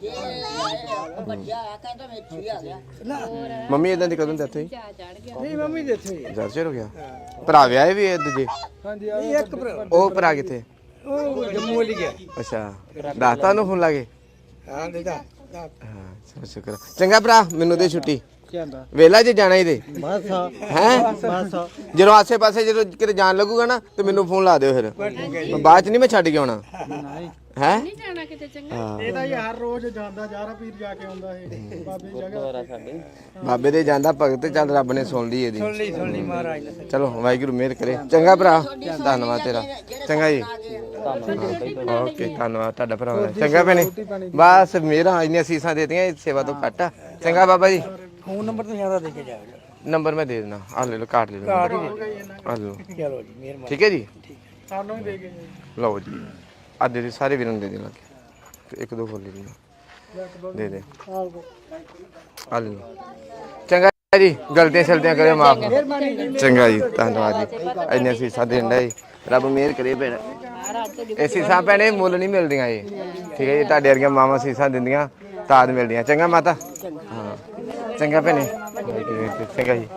[SPEAKER 1] ਮੰਮੀ ਇਦਾਂ ਦੀ ਕਦੋਂ ਡੈਥ ਹੋਈ
[SPEAKER 5] ਨਹੀਂ ਮੰਮੀ ਦੇ ਇੱਥੇ ਹੀ ਆ।
[SPEAKER 1] ਜ਼ਰਜਰ ਹੋ ਗਿਆ ਭਰਾ ਵਿਆਹੇ ਵੀ ਇਹ ਦੂਜੇ
[SPEAKER 5] ਹਾਂਜੀ ਇਹ ਇੱਕ ਭਰਾ
[SPEAKER 1] ਉਹ ਭਰਾ ਕਿੱਥੇ
[SPEAKER 5] ਉਹ ਜੰਮੂ ਵਾਲੀ ਗਿਆ
[SPEAKER 1] ਅੱਛਾ ਦਾਤਾ ਨੂੰ ਫੋਨ ਲਾਗੇ
[SPEAKER 5] ਹਾਂ ਦੇਦਾ
[SPEAKER 1] ਹਾਂ ਚਲੋ ਸ਼ੁਕਰ ਚੰਗਾ ਭਰਾ ਮੈਨੂੰ ਦੇ ਛੁੱਟੀ
[SPEAKER 5] ਜਾਂਦਾ
[SPEAKER 1] ਵੇਲਾ ਜੇ ਜਾਣਾ ਇਹਦੇ
[SPEAKER 5] ਬਸ
[SPEAKER 1] ਹੈ ਜਦੋਂ ਆਸੇ ਪਾਸੇ ਜਦੋਂ ਕਿਤੇ ਜਾਣ ਲੱਗੂਗਾ ਨਾ ਤੇ ਮੈਨੂੰ ਫੋਨ ਲਾ ਦਿਓ ਫਿਰ ਬਾਅਦ ਚ ਨਹੀਂ ਮੈਂ ਛੱਡ ਕੇ ਆਉਣਾ ਹੈ
[SPEAKER 2] ਨਹੀਂ ਜਾਣਾ ਕਿਤੇ ਚੰਗਾ
[SPEAKER 5] ਇਹ ਤਾਂ ਹਰ ਰੋਜ਼ ਜਾਂਦਾ ਜਾਰਾ ਪੀਰ ਜਾ ਕੇ ਆਉਂਦਾ ਇਹ ਬਾਬੇ ਦੀ ਜਗ੍ਹਾ
[SPEAKER 4] ਦੁਆਰਾ ਸਾਡੇ
[SPEAKER 1] ਬਾਬੇ ਦੇ ਜਾਂਦਾ ਭਗਤ ਚੱਲ ਰੱਬ ਨੇ ਸੁਣ ਲਈ ਇਹਦੀ
[SPEAKER 3] ਸੁਣ ਲਈ ਮਹਾਰਾਜ ਨੇ
[SPEAKER 1] ਚਲੋ ਵਾਹਿਗੁਰੂ ਮਿਹਰ ਕਰੇ ਚੰਗਾ ਭਰਾ ਧੰਨਵਾਦ ਤੇਰਾ ਚੰਗਾ ਜੀ ਓਕੇ ਧੰਨਵਾਦ ਤੁਹਾਡਾ ਭਰਾ ਚੰਗਾ ਭੈਣੇ ਬਸ ਮੇਰਾ ਇੰਨੀਆਂ ਸੀਸਾਂ ਦੇਤੀਆਂ ਇਸ ਸੇਵਾ ਤੋਂ ਘੱਟ ਆ ਚੰਗਾ ਬਾਬਾ ਜੀ
[SPEAKER 3] ਫੋਨ ਨੰਬਰ ਤੋਂ ਜ਼ਿਆਦਾ ਦੇ ਕੇ ਜਾਓ
[SPEAKER 1] ਨੰਬਰ ਮੈਂ ਦੇ ਦੇਣਾ ਆ ਲੈ ਲਓ ਕਾਰਡ ਲੈ ਲਓ ਆ ਲਓ
[SPEAKER 3] ਚਲੋ ਜੀ ਮਿਹਰਬਾਨੀ
[SPEAKER 1] ਠੀਕ ਹੈ ਜੀ
[SPEAKER 5] ਸਾਨੂੰ ਵੀ ਦੇ ਕੇ
[SPEAKER 1] ਲਓ ਜੀ ਅੱਜ ਦੇ ਸਾਰੇ ਵੀਰਾਂ ਨੂੰ ਦੇ ਦੇਣਾ ਇੱਕ ਦੋ ਫੁੱਲ ਦੇ ਦੇ ਆ ਲੈ ਲਓ ਚੰਗਾ ਜੀ ਗਲਤੀਆਂ ਸ਼ਲਤੀਆਂ ਕਰਿਓ ਮਾਫ ਚੰਗਾ ਜੀ ਧੰਨਵਾਦ ਜੀ ਇੰਨੇ ਸੀਸਾਂ ਦੇਣ ਦਾ ਜੀ ਰੱਬ ਮਿਹਰ ਕਰੇ ਭੈਣ ਇਹ ਸੀਸਾਂ ਭੈਣੇ ਮੁੱਲ ਨਹੀਂ ਮਿਲਦੀਆਂ ਜੀ ਠੀਕ ਹੈ ਜੀ ਤੁਹਾਡੇ ਵਰਗੀਆਂ ਮਾਵਾਂ ਸੀਸਾਂ ਦਿੰਦੀਆਂ ਤਾਦ ਮਿਲਦੀਆਂ ਚੰਗਾ ਮਾਤਾ ਹਾਂ ਚੰਗਾ ਭੈਣੇ ਚੰਗਾ ਜੀ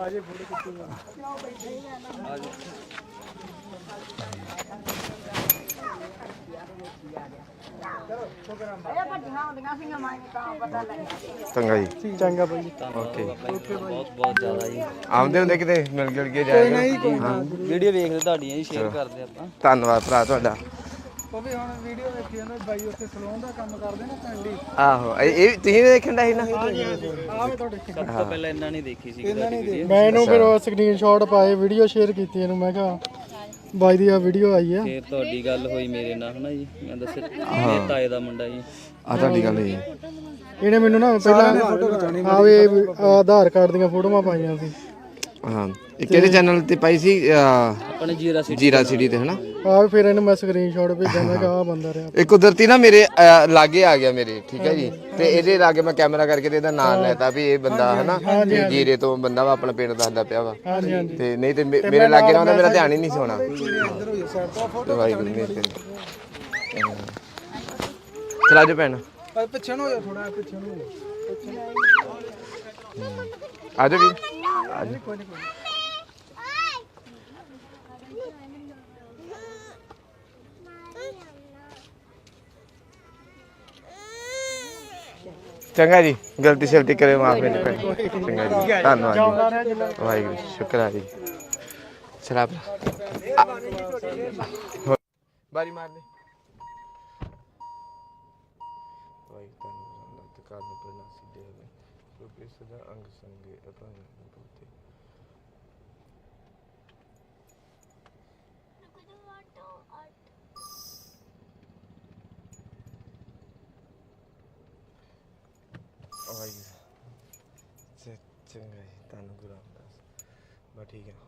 [SPEAKER 1] ਚੰਗਾ ਜੀ
[SPEAKER 5] ਚੰਗਾ ਬਾਈ
[SPEAKER 1] ਓਕੇ
[SPEAKER 4] ਬਹੁਤ ਬਹੁਤ ਜ਼ਿਆਦਾ ਜੀ
[SPEAKER 1] ਆਉਂਦੇ ਹੁੰਦੇ ਕਿਤੇ ਮਿਲ ਗਿਲ ਕੇ ਜਾਏਗਾ ਹਾਂ
[SPEAKER 4] ਵੀਡੀਓ ਵੇਖਦੇ ਤੁਹਾਡੀਆਂ ਜੀ ਸ਼ੇਅਰ ਕਰਦੇ ਆਪਾਂ
[SPEAKER 1] ਧੰਨਵਾਦ ਭਰਾ ਤੁਹਾਡਾ
[SPEAKER 5] ਉਹ ਵੀ ਹੁਣ ਵੀਡੀਓ ਵੇਖੀ ਜਾਂਦਾ ਬਾਈ ਉੱਥੇ ਸਲੂਨ ਦਾ ਕੰਮ ਕਰਦੇ ਨਾ ਪਿੰਡੀ
[SPEAKER 1] ਆਹੋ ਇਹ ਤੁਸੀਂ ਵੀ ਦੇਖਣ ਦਾ ਸੀ ਨਾ
[SPEAKER 5] ਆਹ ਵੀ ਤੁਹਾਡੇ
[SPEAKER 4] ਸਭ ਤੋਂ ਪਹਿਲਾਂ ਇਹਨਾਂ ਨੇ ਦੇਖੀ ਸੀ ਵੀਡੀਓ
[SPEAKER 5] ਮੈਂ ਇਹਨੂੰ ਫਿਰ ਸਕਰੀਨਸ਼ਾਟ ਪਾਏ ਵੀਡੀਓ ਸ਼ੇਅਰ ਕੀਤੀ ਇਹਨੂੰ ਮੈਂ ਕਿਹਾ ਬਾਈ ਦੀ ਆ ਵੀਡੀਓ ਆਈ ਆ
[SPEAKER 4] ਫਿਰ ਤੁਹਾਡੀ ਗੱਲ ਹੋਈ ਮੇਰੇ ਨਾਲ ਹਨਾ ਜੀ ਮੈਂ ਦੱਸਿਆ ਮੇਰੇ ਤਾਏ ਦਾ ਮੁੰਡਾ ਜੀ
[SPEAKER 1] ਆ ਤੁਹਾਡੀ ਗੱਲ ਹੈ
[SPEAKER 5] ਇਹਨੇ ਮੈਨੂੰ ਨਾ ਪਹਿਲਾਂ ਆਵੇ ਆਧਾਰ ਕਾਰਡ ਦੀਆਂ ਫੋਟੋਆਂ ਪਾਈਆਂ ਸੀ
[SPEAKER 1] ਹਾਂ ਇਹ ਕਿਹੜੇ ਚੈਨਲ ਤੇ ਪਾਈ ਸੀ
[SPEAKER 4] ਆਪਣੇ
[SPEAKER 1] ਜੀਰਾ ਸਿਟੀ ਤੇ ਹਨਾ
[SPEAKER 5] ਆਹ ਫਿਰ ਇਹਨੂੰ ਮੈਂ ਸਕਰੀਨਸ਼ਾਟ ਭੇਜਾਂ ਮੈਂ ਕਿਹਾ ਆ ਬੰਦਾ ਰਿਹਾ
[SPEAKER 1] ਇਹ ਕੁਦਰਤੀ ਨਾ ਮੇਰੇ ਲਾਗੇ ਆ ਗਿਆ ਮੇਰੇ ਠੀਕ ਹੈ ਜੀ ਤੇ ਇਹਦੇ ਲਾਗੇ ਮੈਂ ਕੈਮਰਾ ਕਰਕੇ ਤੇ ਇਹਦਾ ਨਾਮ ਲੈਤਾ ਵੀ ਇਹ ਬੰਦਾ ਹਨਾ ਤੇ ਜੀਰੇ ਤੋਂ ਬੰਦਾ ਵਾ ਆਪਣਾ ਪਿੰਡ ਦੱਸਦਾ ਪਿਆ ਵਾ
[SPEAKER 5] ਹਾਂਜੀ ਹਾਂਜੀ
[SPEAKER 1] ਤੇ ਨਹੀਂ ਤੇ ਮੇਰੇ ਲਾਗੇ ਨਾ ਹੁੰਦਾ ਮੇਰਾ ਧਿਆਨ ਹੀ ਨਹੀਂ ਸੀ ਹੋਣਾ ਵਾਹਿਗੁਰੂ ਮਿਹਰ ਕਰੇ ਚਲਾ ਜੋ ਭੈਣ
[SPEAKER 5] ਪਿੱਛੇ ਨੂੰ ਹੋ ਜਾ ਥੋੜਾ ਪਿੱਛੇ ਨੂੰ
[SPEAKER 1] ਆ ਜਾ ਵੀ ਆ ਜਾ
[SPEAKER 5] ਕੋਈ ਨਹੀਂ
[SPEAKER 1] ਚੰਗਾ ਜੀ ਗਲਤੀ ਸ਼ਲਤੀ ਕਰੇ ਮਾਫ ਮੈਨੂੰ ਭੈਣ ਚੰਗਾ ਜੀ ਧੰਨਵਾਦ ਜੀ ਵਾਹਿਗੁਰੂ ਸ਼ੁਕਰ ਹੈ ਜੀ ਸ਼ਰਾਬ ਬਾਰੀ ਮਾਰ ਦੇ ਵਾਹਿ ਧੰਨਵਾਦ ਤੇ ਕਾਰਨ ਪ੍ਰਣਾਸੀ ਦੇ ਕਿਉਂਕਿ ਸਦਾ ਅੰਗ ਸੰਗੇ ਅਪਨ ਬੋਤੇ ਚੰਗਾ ਜੀ ਤੁਹਾਨੂੰ ਗੁਰੂ ਰਾਮਦਾਸ ਬਸ ਠੀਕ ਹੈ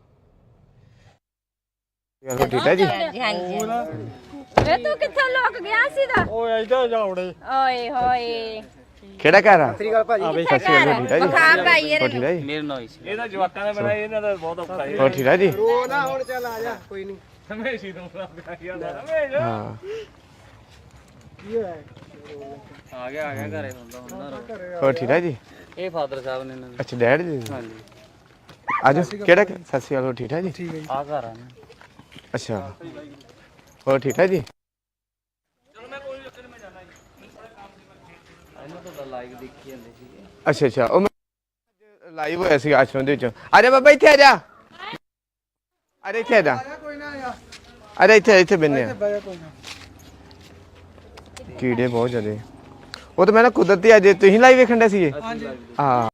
[SPEAKER 1] ਗੱਲ ਠੀਕ ਹੈ ਜੀ
[SPEAKER 2] ਹਾਂਜੀ ਵੇ ਤੂੰ ਕਿੱਥੋਂ ਲੁਕ ਗਿਆ ਸੀ ਦਾ
[SPEAKER 5] ਓਏ ਇੱਧਰ ਜਾਉੜੇ
[SPEAKER 2] ਓਏ ਹੋਏ
[SPEAKER 1] ਕਿਹੜਾ ਘਰ ਆ
[SPEAKER 3] ਸ੍ਰੀ ਅਕਾਲ ਭਾਜੀ
[SPEAKER 1] ਠੀਕ ਹੈ ਜੀ
[SPEAKER 2] ਖਾ ਪਾਈਏ
[SPEAKER 1] ਹੋਰ ਠੀਕ ਹੈ ਜੀ
[SPEAKER 4] ਮੇਰੇ ਨਾਲ ਹੀ ਸੀ
[SPEAKER 3] ਇਹਦਾ ਜਵਾਕਾਂ ਦਾ ਬਣਾਇਆ ਇਹਨਾਂ ਦਾ ਬਹੁਤ ਔਖਾ ਹੈ
[SPEAKER 1] ਹੋਰ ਠੀਕ ਹੈ ਜੀ
[SPEAKER 3] ਰੋ ਨਾ ਹੁਣ ਚੱਲ ਆ ਜਾ ਕੋਈ ਨਹੀਂ ਹਮੇਸ਼ਾ ਤੋਂ
[SPEAKER 1] ਹਾਂ
[SPEAKER 5] ਕੀ ਹੋਇਆ
[SPEAKER 4] ਆ ਗਿਆ ਘਰੇ ਹੁੰਦਾ
[SPEAKER 1] ਹੋਰ ਠੀਕ ਹੈ ਜੀ
[SPEAKER 4] ਇਹ ਫਾਦਰ ਸਾਹਿਬ ਨੇ ਇਹਨਾਂ ਦੇ
[SPEAKER 1] ਅੱਛਾ ਡੈਡ ਜੀ
[SPEAKER 4] ਹਾਂਜੀ
[SPEAKER 1] ਆਜੋ ਕਿਹੜਾ ਸਤਿ ਸ਼੍ਰੀ ਅਕਾਲ ਹੋਰ ਠੀਕ ਹੈ ਜੀ
[SPEAKER 4] ਆ ਘਰ ਆ ਨਾ
[SPEAKER 1] ਅੱਛਾ ਹੋਰ ਠੀਕ ਹੈ ਜੀ
[SPEAKER 4] ਇਹਨਾਂ ਤੋਂ ਲਾਈਵ ਦੇਖੀ ਜਾਂਦੇ ਸੀਗੇ
[SPEAKER 1] ਅੱਛਾ ਅੱਛਾ ਉਹ ਲਾਈਵ ਹੋਇਆ ਸੀ ਆਸ਼ਰਮ ਦੇ ਵਿੱਚ ਆ ਜਾ ਬਾਬਾ ਇੱਥੇ ਆ ਜਾ ਅਰੇ ਇੱਥੇ ਆ ਜਾ
[SPEAKER 5] ਕੋਈ ਨਾ ਆ
[SPEAKER 1] ਅਰੇ ਇੱਥੇ ਬੰਨੇ ਆ
[SPEAKER 5] ਬਾਇਆ ਕੋਈ ਨਾ
[SPEAKER 1] ਕੀੜੇ ਬਹੁਤ ਜ਼ਿਆਦੇ ਉਹ ਤਾਂ ਮੈਂ ਨਾ ਕੁਦਰਤੀ ਅੱਜ ਤੁਸੀਂ ਲਾਈਵ ਵੇਖਣ ਦੇ ਸੀਗੇ ਹਾਂ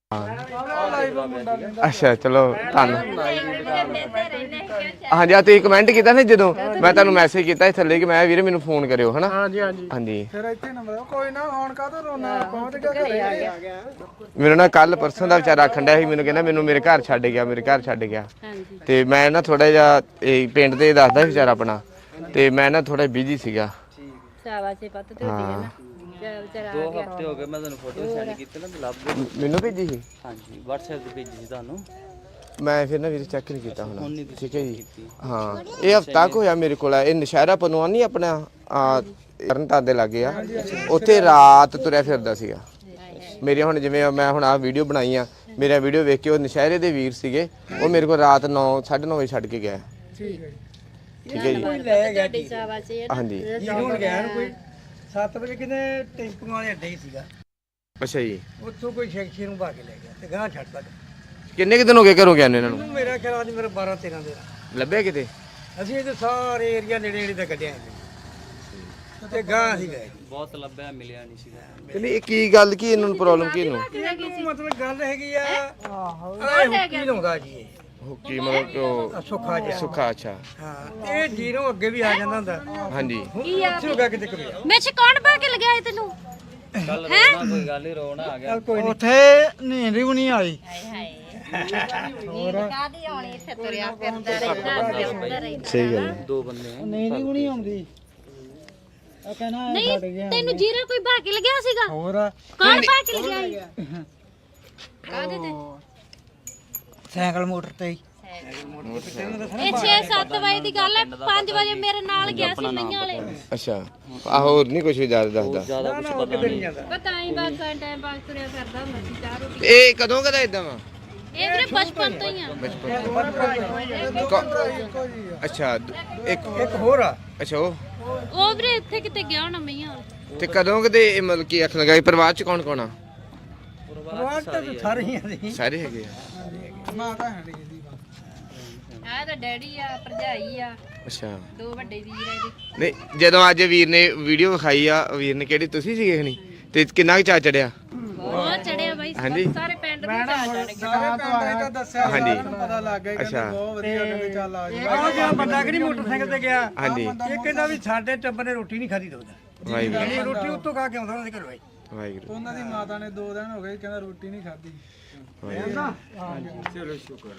[SPEAKER 1] ਅੱਛਾ ਚਲੋ ਧੰਨ ਹਾਂਜੀ ਆ ਤੁਸੀਂ ਕਮੈਂਟ ਕੀਤਾ ਨਾ ਜਦੋਂ ਮੈਂ ਤੁਹਾਨੂੰ ਮੈਸੇਜ ਕੀਤਾ ਸੀ ਥੱਲੇ ਕਿ ਮੈਂ ਵੀਰੇ ਮੈਨੂੰ ਫੋਨ ਕਰਿਓ ਹਨਾ
[SPEAKER 5] ਹਾਂਜੀ ਹਾਂਜੀ
[SPEAKER 1] ਹਾਂਜੀ
[SPEAKER 5] ਫਿਰ ਇੱਥੇ ਨੰਬਰ ਕੋਈ ਨਾ ਹੁਣ ਕਾਹਤੋਂ ਰੋਣਾ ਪਹੁੰਚ ਗਿਆ ਘਰੇ ਆ ਗਿਆ
[SPEAKER 1] ਮੈਨੂੰ ਨਾ ਕੱਲ ਪਰਸੋਂ ਦਾ ਵਿਚਾਰਾ ਆਖਣ ਡਿਆ ਸੀ ਮੈਨੂੰ ਕਹਿੰਦਾ ਮੈਨੂੰ ਮੇਰੇ ਘਰ ਛੱਡ ਗਿਆ ਤੇ ਮੈਂ ਨਾ ਥੋੜਾ ਜਿਹਾ ਇਹ ਪਿੰਡ ਤੇ ਦੱਸਦਾ ਸੀ ਵਿਚਾਰਾ ਆਪਣਾ ਤੇ ਮੈਂ ਨਾ ਥੋੜਾ ਬਿਜੀ ਸੀਗਾ
[SPEAKER 2] ਸ਼ਾਬਾਸ਼ ਪੱਤ ਤੇ ਹੁੰਦੀ ਹੈ ਨਾ ਵਿਚਾਰਾ
[SPEAKER 4] 2 ਹਫ਼ਤੇ ਹੋ ਗਏ ਮੈਂ ਤੁਹਾਨੂੰ ਫੋਟੋ ਸੈਂਡ ਕੀਤੀ ਨਾ ਲੱਭ
[SPEAKER 1] ਮੈਨੂੰ ਭੇਜੀ ਸੀ
[SPEAKER 4] ਹਾਂਜੀ WhatsApp ਤੇ ਭੇਜੀ ਸੀ ਤੁਹਾਨੂੰ
[SPEAKER 1] ਮੈਂ ਫਿਰ ਨਾ ਵੀਰੇ ਚੈੱਕ ਨਹੀਂ ਕੀਤਾ
[SPEAKER 4] ਹੁਣ
[SPEAKER 1] ਹੁਣ
[SPEAKER 4] ਨਹੀਂ
[SPEAKER 1] ਠੀਕ ਹੈ ਜੀ ਹਾਂ ਇਹ ਹਫਤਾ ਕੁ ਹੋਇਆ ਮੇਰੇ ਕੋਲ ਇਹ ਨਸ਼ਹਿਰਾ ਪਨਵਾ ਨਹੀਂ ਆਪਣਾ ਤਰਨਤਾਰਨ ਦੇ ਲਾਗੇ ਆ ਉੱਥੇ ਰਾਤ ਤੁਰਿਆ ਫਿਰਦਾ ਸੀਗਾ ਮੇਰੇ ਹੁਣ ਜਿਵੇਂ ਮੈਂ ਹੁਣ ਆ ਵੀਡੀਓ ਬਣਾਈ ਆ ਮੇਰਾ ਵੀਡੀਓ ਵੇਖ ਕੇ ਉਹ ਨਸ਼ਹਿਰੇ ਦੇ ਵੀਰ ਸੀਗੇ ਉਹ ਮੇਰੇ ਕੋਲ ਰਾਤ 9:30 ਵਜੇ ਛੱਡ ਕੇ ਗਿਆ
[SPEAKER 5] ਠੀਕ ਹੈ
[SPEAKER 1] ਠੀਕ ਹੈ ਜੀ
[SPEAKER 3] ਲੈ ਗਿਆ
[SPEAKER 2] ਤੁਹਾਡੀ ਸ਼ਾਬਾਸ਼ ਇਹ
[SPEAKER 1] ਹਾਂਜੀ
[SPEAKER 3] ਜੀ ਹੁਣ ਗਿਆ ਨੂੰ ਕੋਈ 7 ਵਜੇ ਕਿਤੇ ਟੈਂਪੂਆਂ ਵਾਲੇ ਅੱਡੇ ਹੀ ਸੀਗਾ
[SPEAKER 1] ਅੱਛਾ ਜੀ।
[SPEAKER 3] ਉੱਥੋਂ ਕੋਈ ਸ਼ੈਕਸ਼ੀ ਨੂੰ ਭਾ ਕੇ ਲੈ ਗਿਆ ਤੇ ਗਾਂ ਛੱਡਦਾ।
[SPEAKER 1] ਕਿੰਨੇ ਕੁ ਦਿਨ ਹੋ ਗਏ ਘਰੋਂ ਗਿਆ ਨੇ ਇਹਨਾਂ ਨੂੰ?
[SPEAKER 3] ਮੈਨੂੰ ਮੇਰਾ ਖਿਆਲ ਅੱਜ ਮੇਰਾ 12-13 ਦਿਨ
[SPEAKER 1] ਲੱਭਿਆ ਕਿਤੇ?
[SPEAKER 3] ਅਸੀਂ ਇਹਦੇ ਸਾਰੇ ਏਰੀਆ ਨੇੜੇ ਨੇੜੇ ਤੇ ਕੱਢਿਆ ਤੇ ਗਾਂ ਅਸੀਂ ਗਏ।
[SPEAKER 4] ਬਹੁਤ ਲੱਭਿਆ ਮਿਲਿਆ ਨਹੀਂ ਸੀਗਾ।
[SPEAKER 1] ਕਹਿੰਦੇ ਇਹ ਕੀ ਗੱਲ ਕੀ ਇਹਨਾਂ ਨੂੰ ਪ੍ਰੋਬਲਮ ਕੀ ਇਹਨੂੰ?
[SPEAKER 3] ਇਹਨੂੰ ਮਤਲਬ ਗੱਲ ਹੈਗੀ ਆ ਹੁੱਕੀ ਲਾਉਂਦਾ ਜੀ ਇਹ
[SPEAKER 1] ਕੀ ਮਤਲਬ ਕਿ ਉਹ
[SPEAKER 3] ਸੁੱਖਾ ਜਿਹਾ।
[SPEAKER 1] ਸੁੱਖਾ ਅੱਛਾ।
[SPEAKER 3] ਹਾਂ ਇਹ ਜੀਰੋ ਅੱਗੇ ਵੀ ਆ ਜਾਂਦਾ ਹੁੰਦਾ।
[SPEAKER 1] ਹਾਂਜੀ।
[SPEAKER 3] ਇੱਥੇ ਹੋ ਗਿਆ ਕਿਤੇ ਕਰਿਆ
[SPEAKER 2] ਵਿੱਚ ਕੌਣ ਪਾ ਕੇ ਲਗਿਆ ਤੈਨੂੰ?
[SPEAKER 4] ਕੱਲ ਰੋਣਾ ਕੋਈ ਗੱਲ ਹੀ ਰੋਣਾ ਆ ਗਿਆ।
[SPEAKER 3] ਉੱਥੇ ਨੀਂਦ ਵੀ ਨਹੀਂ ਆਈ।
[SPEAKER 2] ਕਾਦੀ ਆਉਣੀ ਇੱਥੇ ਤੁਰਿਆ ਫਿਰਦਾ ਰਹਿੰਦਾ।
[SPEAKER 1] ਸਹੀ ਗੱਲ।
[SPEAKER 4] ਦੋ ਬੰਦੇ ਆ।
[SPEAKER 3] ਨੀਂਦ ਵੀ ਨਹੀਂ ਆਉਂਦੀ। ਆ ਕਹਿਣਾ
[SPEAKER 2] ਨਹੀਂ ਤੈਨੂੰ ਜੀਰਾ ਕੋਈ ਭਾ ਕੇ ਲਗਿਆ ਸੀਗਾ?
[SPEAKER 3] ਹੋਰ
[SPEAKER 2] ਕੌਣ ਭਾ ਕੇ ਲਗਿਆ? ਕਾਦੇ ਤੇ?
[SPEAKER 3] ਸਾਈਕਲ ਮੋਟਰ ਤੇ ਹੀ।
[SPEAKER 2] ਇਹ 6-7 ਵਜੇ ਦੀ ਗੱਲ ਹੈ। 5 ਵਜੇ ਮੇਰੇ ਨਾਲ ਗਿਆ ਸੀ ਮਈਆਂ ਵਾਲੇ।
[SPEAKER 1] ਅੱਛਾ ਆ ਹੋਰ ਨਹੀਂ ਕੁਝ ਵੀ ਜ਼ਿਆਦਾ ਦੱਸਦਾ?
[SPEAKER 4] ਜ਼ਿਆਦਾ ਕੁਝ ਪਤਾ ਨਹੀਂ।
[SPEAKER 2] ਪਤਾ ਹੀ ਬਸ ਟਾਈਮ ਪਾਸ ਤੁਰਿਆ ਫਿਰਦਾ ਹੁੰਦਾ ਸੀ। ਚਾਹ ਰੋਟੀ
[SPEAKER 1] ਤੇ ਇਹ ਕਦੋਂ ਕਦਾ ਇਦਾਂ ਵਾ?
[SPEAKER 2] ਇਹ ਵੀਰੇ ਬਚਪਨ ਤੋਂ ਹੀ ਆ।
[SPEAKER 1] ਅੱਛਾ
[SPEAKER 3] ਇੱਕ ਹੋਰ ਆ।
[SPEAKER 1] ਅੱਛਾ
[SPEAKER 2] ਉਹ ਵੀਰੇ ਇੱਥੇ ਕਿਤੇ ਗਿਆ ਹੋਣਾ ਮਈਆਂ ਵਾਲੇ।
[SPEAKER 1] ਤੇ ਕਦੋਂ ਕਦੇ ਇਹ ਮਤਲਬ ਕੀ ਅੱਖ ਲਗਾਈ? ਪਰਿਵਾਰ ਚ ਕੌਣ ਕੌਣ ਆ?
[SPEAKER 3] ਪਰਿਵਾਰ ਤੇ ਸਾਰੇ ਹੀ ਆ ਜੀ।
[SPEAKER 1] ਸਾਰੇ ਹੈਗੇ ਆ।
[SPEAKER 5] ਮਾਤਾ ਹੈ ਨਹੀਂ ਇਹਦੀ
[SPEAKER 2] ਆਹ ਤਾਂ ਡੈਡੀ ਆ, ਭਰਜਾਈ ਆ,
[SPEAKER 1] ਅੱਛਾ।
[SPEAKER 2] 2 ਵੱਡੇ ਵੀਰ ਆ ਇਹਦੇ।
[SPEAKER 1] ਨਹੀਂ ਜਦੋਂ ਅੱਜ ਵੀਰ ਨੇ ਵੀਡੀਓ ਵਿਖਾਈ ਆ, ਵੀਰ ਨੇ ਕਿਹੜੀ ਤੁਸੀਂ ਸੀਗੇ ਖਣੀ ਤੇ ਕਿੰਨਾ ਕੁ ਚਾ ਚੜਿਆ?
[SPEAKER 2] ਬਹੁਤ ਚੜਿਆ ਬਾਈ।
[SPEAKER 1] ਹਾਂਜੀ।
[SPEAKER 2] ਸਾਰੇ ਪਿੰਡ ਨੂੰ ਚਾਹ ਚੜ ਗਿਆ।
[SPEAKER 5] ਸਾਰੇ ਪਿੰਡ ਦਾ ਦੱਸਿਆ
[SPEAKER 1] ਹਾਂਜੀ।
[SPEAKER 5] ਪਤਾ ਲੱਗ ਗਿਆ ਕਿ
[SPEAKER 1] ਅੱਛਾ।
[SPEAKER 5] ਬਹੁਤ ਵਧੀਆ ਕਹਿੰਦੇ ਚੱਲ ਆ ਜੀ।
[SPEAKER 3] ਉਹ ਜਿਹੜਾ ਬੰਦਾ ਕਿ ਨਹੀਂ ਮੋਟਰਸਾਈਕਲ ਤੇ ਗਿਆ
[SPEAKER 1] ਹਾਂਜੀ।
[SPEAKER 3] ਇਹ ਕਹਿੰਦਾ ਵੀ ਸਾਡੇ ਟੱਬਰ ਨੇ ਰੋਟੀ ਨਹੀਂ ਖਾਧੀ ਦੋਦਾ।
[SPEAKER 1] ਵਾਹਿਗੁਰੂ
[SPEAKER 3] ਇਹ ਰੋਟੀ ਉੱਤੋਂ ਖਾ ਕੇ ਆਉਂਦਾ ਉਹਨਾਂ ਦੇ ਘਰੋਂ।
[SPEAKER 1] ਵਾਹਿਗੁਰੂ।
[SPEAKER 5] ਉਹਨਾਂ ਦੀ ਮਾਤਾ ਨੇ 2 ਦਿਨ ਹੋ ਗਏ ਕਹਿੰਦਾ ਰੋਟੀ ਨਹੀਂ ਖਾਧੀ।
[SPEAKER 3] ਚਲੋ ਸ਼ੁਕਰ।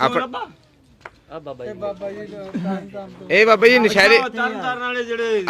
[SPEAKER 4] ਆ ਬਾਬਾ ਜੀ।
[SPEAKER 5] ਬਾਬਾ ਜੀ ਤਾਂ ਤੋਂ
[SPEAKER 1] ਇਹ ਬਾਬਾ ਜੀ ਨਸ਼ਹਿਰੇ
[SPEAKER 3] ਤਰਨ ਵਾਲੇ ਜਿਹੜੇ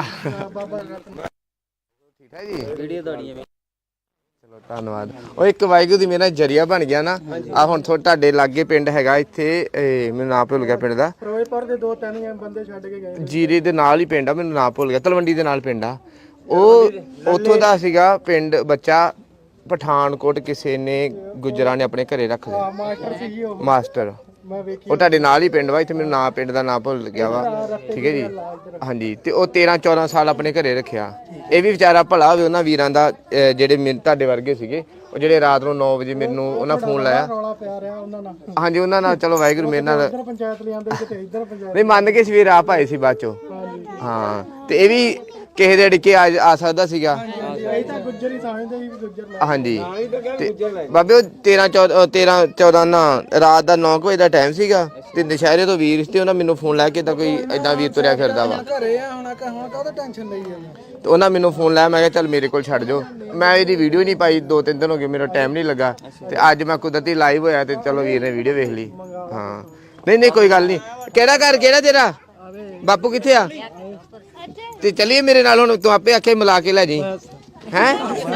[SPEAKER 1] ਠੀਕ ਹੈ ਜੀ।
[SPEAKER 4] ਵੀਡੀਓ ਤੁਹਾਡੀਆਂ ਵੀ।
[SPEAKER 1] ਚਲੋ ਧੰਨਵਾਦ। ਉਹ ਇੱਕ ਵਾਹਿਗੁਰੂ ਦੀ ਮੇਰਾ ਜਰੀਆ ਬਣ ਗਿਆ ਨਾ। ਆ ਹੁਣ ਤੁਹਾਡੇ ਲਾਗੇ ਪਿੰਡ ਹੈਗਾ ਇੱਥੇ, ਮੈਨੂੰ ਨਾਮ ਭੁੱਲ ਗਿਆ ਪਿੰਡ ਦਾ।
[SPEAKER 5] ਫਿਰੋਜ਼ਪੁਰ ਦੇ 2-3 ਬੰਦੇ ਛੱਡ ਕੇ ਗਏ।
[SPEAKER 1] ਜੀਰੇ ਦੇ ਨਾਲ ਹੀ ਪਿੰਡ ਆ, ਮੈਨੂੰ ਨਾਮ ਭੁੱਲ ਗਿਆ। ਤਲਵੰਡੀ ਦੇ ਨਾਲ ਪਿੰਡ ਆ। ਉਹ ਉੱਥੋਂ ਦਾ ਸੀਗਾ ਪਿੰਡ ਬੱਚਾ। ਪਠਾਨਕੋਟ ਕਿਸੇ ਨੇ ਗੁਜਰਾਂ ਨੇ ਆਪਣੇ ਘਰੇ ਰੱਖ ਲਿਆ।
[SPEAKER 5] ਮਾਸਟਰ ਸੀ ਜੀ ਉਹ।
[SPEAKER 1] ਮਾਸਟਰ
[SPEAKER 5] ਮੈਂ ਵੇਖੀ
[SPEAKER 1] ਉਹ ਤੁਹਾਡੇ ਨਾਲ ਹੀ ਪਿੰਡ ਵਾ। ਇੱਥੇ ਮੈਨੂੰ ਨਾਂ ਪਿੰਡ ਦਾ ਨਾਂ ਭੁੱਲ ਗਿਆ ਵਾ। ਠੀਕ ਹੈ ਜੀ। ਹਾਂਜੀ। ਤੇ ਉਹ 13-14 ਸਾਲ ਆਪਣੇ ਘਰੇ ਰੱਖਿਆ। ਇਹ ਵੀ ਵਿਚਾਰਾ ਭਲਾ ਹੋਵੇ ਉਹਨਾਂ ਵੀਰਾਂ ਦਾ ਜਿਹੜੇ ਤੁਹਾਡੇ ਵਰਗੇ ਸੀਗੇ, ਉਹ ਜਿਹੜੇ ਰਾਤ ਨੂੰ 9 ਵਜੇ ਮੈਨੂੰ ਉਹਨਾਂ ਫੋਨ ਲਾਇਆ।
[SPEAKER 5] ਰੌਲਾ ਪਿਆ ਰਿਹਾ ਉਹਨਾਂ ਨਾਲ।
[SPEAKER 1] ਹਾਂਜੀ ਉਹਨਾਂ ਨਾਲ ਚਲੋ ਵਾਹਿਗੁਰੂ ਮੇਰੇ ਨਾਲ
[SPEAKER 5] ਇੱਧਰ ਪੰਚਾਇਤ ਲਿਆਂਦੇ ਕਿਤੇ ਇੱਧਰ ਪੰਚਾਇਤ।
[SPEAKER 1] ਨਹੀਂ ਮੰਨ ਕੇ ਸਵੇਰ ਆਪ ਆਏ ਸੀ ਬਾਅਦ ਚੋਂ। ਹਾਂ ਤੇ ਇਹ ਵੀ ਕਿਸੇ ਦੇ ਅੜਕੇ ਆ ਸਕਦਾ ਸੀਗਾ।
[SPEAKER 5] ਇਹ ਤਾਂ ਗੁੱਜਰ ਹੀ ਸਮਝਦੇ ਸੀ ਵੀ ਗੁੱਜਰ ਲੈ।
[SPEAKER 1] ਹਾਂਜੀ ਤੇ ਬਾਬੇ ਉਹ 13-14 ਨਾ ਰਾਤ ਦਾ 9 ਵਜੇ ਦਾ ਟਾਈਮ ਸੀਗਾ ਤੇ ਦੁਸ਼ਹਿਰੇ ਤੋਂ ਵੀਰ ਤੇ ਉਹਨਾਂ ਮੈਨੂੰ ਫੋਨ ਲਾਇਆ ਕਿ ਤਾਂ ਕੋਈ ਏਦਾਂ ਵੀਰ ਤੁਰਿਆ ਫਿਰਦਾ ਵਾ।
[SPEAKER 5] ਘਰੇ ਆ ਹੁਣ ਕਾਹਦਾ ਟੈਨਸ਼ਨ ਲਈ ਆ।
[SPEAKER 1] ਤੇ ਉਹਨਾਂ ਮੈਨੂੰ ਫੋਨ ਲਾਇਆ। ਮੈਂ ਕਿਹਾ ਚੱਲ ਮੇਰੇ ਕੋਲ ਛੱਡ ਜਾਓ। ਮੈਂ ਇਹਦੀ ਵੀਡੀਓ ਨਹੀਂ ਪਾਈ 2-3 ਦਿਨ ਹੋ ਗਏ, ਮੇਰਾ ਟਾਈਮ ਨਹੀਂ ਲੱਗਾ। ਤੇ ਅੱਜ ਮੈਂ ਕੁਦਰਤੀ ਲਾਈਵ ਹੋਇਆ ਤੇ ਚਲੋ ਵੀਰ ਨੇ ਵੀਡੀਓ ਵੇਖ ਲਈ। ਹਾਂ ਨਹੀਂ ਕੋਈ ਗੱਲ ਨਹੀਂ। ਕਿਹੜਾ ਘਰ ਕਿਹੜਾ ਤੇਰਾ? ਬਾਪੂ ਕਿੱਥੇ ਆ? ਤੇ ਚੱਲੀਏ ਮੇਰੇ ਨਾਲ। ਹੁਣ ਤੂੰ ਆਪੇ ਆਖੇ ਮਿਲਾ ਕੇ ਲੈ ਜੀ। ਹੈ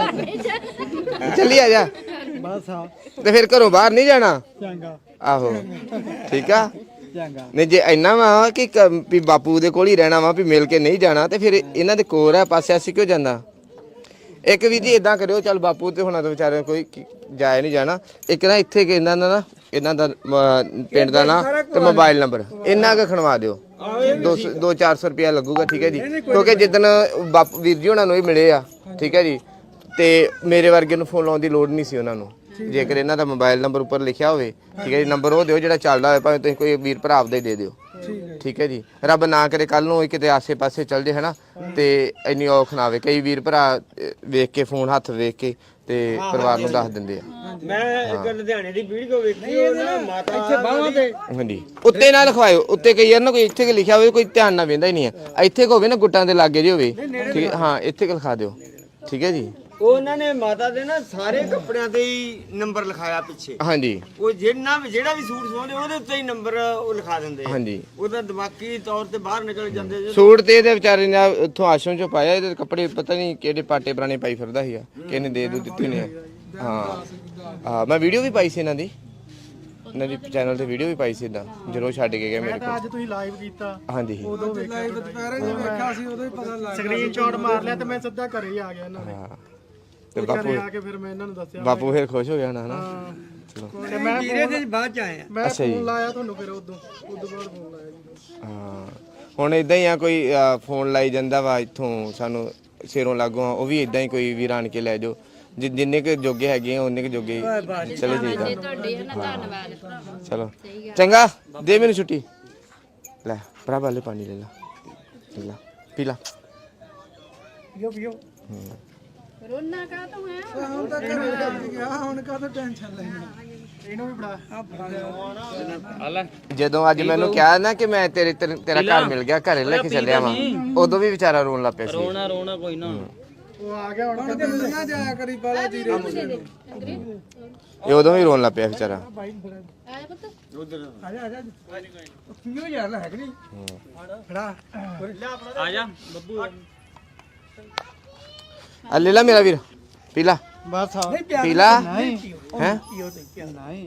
[SPEAKER 1] ਚੱਲੀ ਆ ਜਾ।
[SPEAKER 5] ਬਸ ਆ
[SPEAKER 1] ਤੇ ਫਿਰ ਘਰੋਂ ਬਾਹਰ ਨਹੀਂ ਜਾਣਾ?
[SPEAKER 5] ਚੰਗਾ।
[SPEAKER 1] ਆਹੋ ਠੀਕ ਆ।
[SPEAKER 5] ਚੰਗਾ।
[SPEAKER 1] ਨਹੀਂ ਜੇ ਇੰਨਾ ਵਾ ਕਿ ਵੀ ਬਾਪੂ ਦੇ ਕੋਲ ਹੀ ਰਹਿਣਾ ਵਾ, ਵੀ ਮਿਲ ਕੇ ਨਹੀਂ ਜਾਣਾ, ਤੇ ਫਿਰ ਇਹਨਾਂ ਦੇ ਕੋਲ ਆ ਪਾਸੇ ਅਸੀਂ ਕਿਉਂ ਜਾਂਦਾ? ਇੱਕ ਵੀ ਜੀ ਇਦਾਂ ਕਰਿਓ, ਚੱਲ ਬਾਪੂ ਤੇ ਹੁਣਾਂ ਤੋਂ ਵਿਚਾਰੇ ਕੋਈ ਜਾਏ ਨਹੀਂ ਜਾਣਾ। ਇੱਕ ਨਾ ਇੱਥੇ ਇਹਨਾਂ ਦਾ ਇਹਨਾਂ ਦਾ ਪਿੰਡ ਦਾ ਨਾਂ ਤੇ ਮੋਬਾਈਲ ਨੰਬਰ ਇੰਨਾ ਕੁ ਖਣਵਾ ਦਿਓ। 200-400 ਰੁਪਇਆ ਲੱਗੂਗਾ। ਠੀਕ ਹੈ ਜੀ। ਕਿਉਂਕਿ ਜਿੱਦਣ ਬਾਪੂ ਵੀਰ ਜੀ ਉਹਨਾਂ ਨੂੰ ਹੀ ਮਿਲੇ ਆ, ਠੀਕ ਹੈ ਜੀ, ਤੇ ਮੇਰੇ ਵਰਗੇ ਨੂੰ ਫੋਨ ਲਾਉਣ ਦੀ ਲੋੜ ਨਹੀਂ ਸੀ ਉਹਨਾਂ ਨੂੰ। ਜੇਕਰ ਇਹਨਾਂ ਦਾ ਮੋਬਾਈਲ ਨੰਬਰ ਉੱਪਰ ਲਿਖਿਆ ਹੋਵੇ, ਠੀਕ ਹੈ ਜੀ, ਨੰਬਰ ਉਹ ਦਿਓ ਜਿਹੜਾ ਚੱਲਦਾ ਹੋਵੇ, ਭਾਵੇਂ ਤੁਸੀਂ ਕੋਈ ਵੀਰ ਭਰਾ ਆਪਦਾ ਹੀ ਦੇ ਦਿਓ। ਠੀਕ ਹੈ ਜੀ। ਰੱਬ ਨਾ ਕਰੇ ਕੱਲ ਨੂੰ ਕਿਤੇ ਆਸੇ-ਪਾਸੇ ਚੱਲ ਜੇ ਹਨਾ, ਤੇ ਇੰਨੀ ਔਖ ਨਾ ਆਵੇ। ਕਈ ਵੀਰ ਭਰਾ ਵੇਖ ਕੇ ਫੋਨ ਹੱਥ ਵੇਖ ਕੇ ਤੇ ਪਰਿਵਾਰ ਨੂੰ ਦੱਸ ਦਿੰਦੇ ਆ।
[SPEAKER 3] ਮੈਂ ਇੱਕ ਲੁਧਿਆਣੇ ਦੀ ਵੀਡੀਓ ਵੇਖੀ ਉਹ ਨਾ ਮਾਤਾ ਇੱਥੇ ਬਾਹਾਂ ਤੇ।
[SPEAKER 1] ਹਾਂਜੀ ਉੱਤੇ ਨਾ ਲਿਖਵਾਇਓ। ਉੱਤੇ ਕਈ ਯਾਰ ਨਾ ਕੋਈ ਇੱਥੇ ਕਿ ਲਿਖਿਆ ਹੋਵੇ, ਕੋਈ ਧਿਆਨ ਨਾਲ ਵੇਂਦਾ ਹੀ ਨਹੀਂ ਆ। ਇੱਥੇ ਕੋ ਹੋਵੇ ਨਾ ਗੁੱਟਾਂ ਦੇ ਲਾਗੇ ਜੇ ਹੋਵੇ, ਠੀਕ ਹੈ। ਹਾਂ ਇੱਥੇ ਕਿ ਲਿਖਾ ਦਿਓ। ਠੀਕ ਹੈ ਜੀ।
[SPEAKER 3] ਉਹਨਾਂ ਨੇ ਮਾਤਾ ਦੇ ਨਾ ਸਾਰੇ ਕੱਪੜਿਆਂ ਤੇ ਹੀ ਨੰਬਰ ਲਿਖਾਇਆ ਪਿੱਛੇ।
[SPEAKER 1] ਹਾਂਜੀ
[SPEAKER 3] ਉਹ ਜਿਹੜਾ ਵੀ ਸੂਟ ਸਵਾਉਂਦੇ ਉਹਦੇ ਉੱਤੇ ਹੀ ਨੰਬਰ ਉਹ ਲਿਖਾ ਦਿੰਦੇ।
[SPEAKER 1] ਹਾਂਜੀ
[SPEAKER 3] ਉਹਦਾ ਦਿਮਾਗੀ ਤੌਰ ਤੇ ਬਾਹਰ ਨਿਕਲ ਜਾਂਦੇ।
[SPEAKER 1] ਸੂਟ ਤੇ ਇਹਦੇ ਵਿਚਾਰੇ ਨੇ ਉੱਥੋਂ ਆਸ਼ਰਮ ਚੋਂ ਪਾਇਆ। ਇਹਦੇ ਕੱਪੜੇ ਪਤਾ ਨਹੀਂ ਕਿਹੜੇ ਪਾਟੇ ਪੁਰਾਣੇ ਪਾਈ ਫਿਰਦਾ ਸੀਗਾ, ਕਿਹਨੇ ਦੇ ਦਿੱਤੇ ਨੇ। ਹਾਂ ਮੈਂ ਵੀਡੀਓ ਵੀ ਪਾਈ ਸੀ ਇਹਨਾਂ ਦੀ ਚੈਨਲ ਤੇ ਵੀਡੀਓ ਵੀ ਪਾਈ ਸੀ ਇਦਾਂ ਜਦੋਂ ਛੱਡ ਕੇ ਗਏ ਮੇਰੇ ਕੋਲ।
[SPEAKER 5] ਅੱਜ ਤੁਸੀਂ ਲਾਈਵ ਕੀਤਾ।
[SPEAKER 1] ਹਾਂਜੀ
[SPEAKER 5] ਉਦੋਂ ਲਾਈਵ ਦੁਪਹਿਰੇ ਜਿਵੇਂ ਵੇਖਿਆ ਸੀ ਉਦੋਂ ਹੀ ਪਤਾ ਲੱਗ ਗਿਆ। ਸਕਰੀਨਸ਼ਾਟ ਮਾਰ ਲਿਆ ਤੇ ਮੈਂ ਸਿੱਧਾ ਘਰੇ ਹੀ ਆ ਗਿਆ ਇਹਨਾਂ ਦੇ।
[SPEAKER 1] ਹਾਂ
[SPEAKER 5] ਤੇ ਬਾਪੂ ਆ ਕੇ ਫਿਰ ਮੈਂ ਇਹਨਾਂ ਨੂੰ ਦੱਸਿਆ।
[SPEAKER 1] ਬਾਪੂ ਫਿਰ ਖੁਸ਼ ਹੋ ਗਿਆ ਨਾ ਹਨਾ। ਚਲੋ
[SPEAKER 5] ਤੇ ਮੈਂ
[SPEAKER 3] ਵੀਰੇ ਦੇ ਬਾਅਦ ਚ ਆਏ ਆ।
[SPEAKER 5] ਮੈਂ
[SPEAKER 1] ਅੱਛਾ ਜੀ।
[SPEAKER 5] ਫੋਨ ਲਾਇਆ ਤੁਹਾਨੂੰ ਫਿਰ ਉਦੋਂ ਬਾਅਦ ਫੋਨ ਲਾਇਆ ਜੀ।
[SPEAKER 1] ਹਾਂ ਹੁਣ ਇਦਾਂ ਹੀ ਆ, ਕੋਈ ਫੋਨ ਲਾਈ ਜਾਂਦਾ ਵਾ ਇੱਥੋਂ ਸਾਨੂੰ ਸਿਰੋਂ ਲਾਗੋਂ, ਉਹ ਵੀ ਇਦਾਂ ਹੀ ਕੋਈ ਵੀਰ ਆਣ ਕੇ ਲੈ ਜਾਓ। ਜਿੰਨੇ ਕੁ ਜੋਗੇ ਹੈਗੇ ਆ ਉਹਨੇ ਕੁ ਜੋਗੇ ਚਲੋ ਠੀਕ ਆ
[SPEAKER 2] ਤੁਹਾਡੇ ਨਾ ਧੰਨਵਾਦ ਭਰਾਵਾ
[SPEAKER 1] ਚਲੋ ਚੰਗਾ ਦੇ ਮੈਨੂੰ ਛੁੱਟੀ ਲੈ ਭਰਾ ਵਾਲੇ ਪਾਣੀ ਲੈ ਲਾ ਪੀ ਲਾ
[SPEAKER 3] ਪੀਓ
[SPEAKER 2] ਰੋਣਾ ਕਾ ਤੂੰ ਹੈ
[SPEAKER 5] ਹੁਣ ਤਾਂ ਘਰੇ ਚੱਲ ਗਿਆ ਹੁਣ ਕਾਹਦਾ ਟੈਨਸ਼ਨ ਲੈਣੀ
[SPEAKER 3] ਇਹਨੂੰ ਵੀ ਫੜਾ
[SPEAKER 4] ਆ ਲੈ
[SPEAKER 1] ਜਦੋਂ ਅੱਜ ਮੈਨੂੰ ਕਿਹਾ ਨਾ ਕਿ ਮੈਂ ਤੇਰਾ ਘਰ ਮਿਲ ਗਿਆ ਘਰੇ ਲੈ ਕੇ ਚੱਲਿਆ ਵਾਂ ਉਦੋਂ ਵੀ ਵਿਚਾਰਾ ਰੋਣ ਲੱਗ ਪਿਆ ਸੀ
[SPEAKER 4] ਰੋਣਾ ਕੋਈ ਨਾ
[SPEAKER 3] ਉਹ ਆ ਗਿਆ ਹੁਣ
[SPEAKER 5] ਤੇ ਨਾ ਜਾਇਆ ਕਰੀ ਬਾਲਾ ਜੀਰੇ
[SPEAKER 1] ਇਹ ਉਦੋਂ ਵੀ ਰੋਣ ਲੱਗ ਪਿਆ ਵਿਚਾਰਾ
[SPEAKER 2] ਆਇਆ ਪੁੱਤ
[SPEAKER 3] ਆ ਜਾ ਪੀਓ ਯਾਰ ਲੈ ਕਿ ਨਹੀਂ ਫੜਾ
[SPEAKER 4] ਆ ਜਾ ਬੱਬੂ
[SPEAKER 1] ਆ ਲੈ ਲਾ ਮੇਰਾ ਵੀਰ ਪੀ ਲਾ
[SPEAKER 3] ਬਸ ਆ
[SPEAKER 1] ਪੀ ਲਾ ਹੈ
[SPEAKER 3] ਨਹੀਂ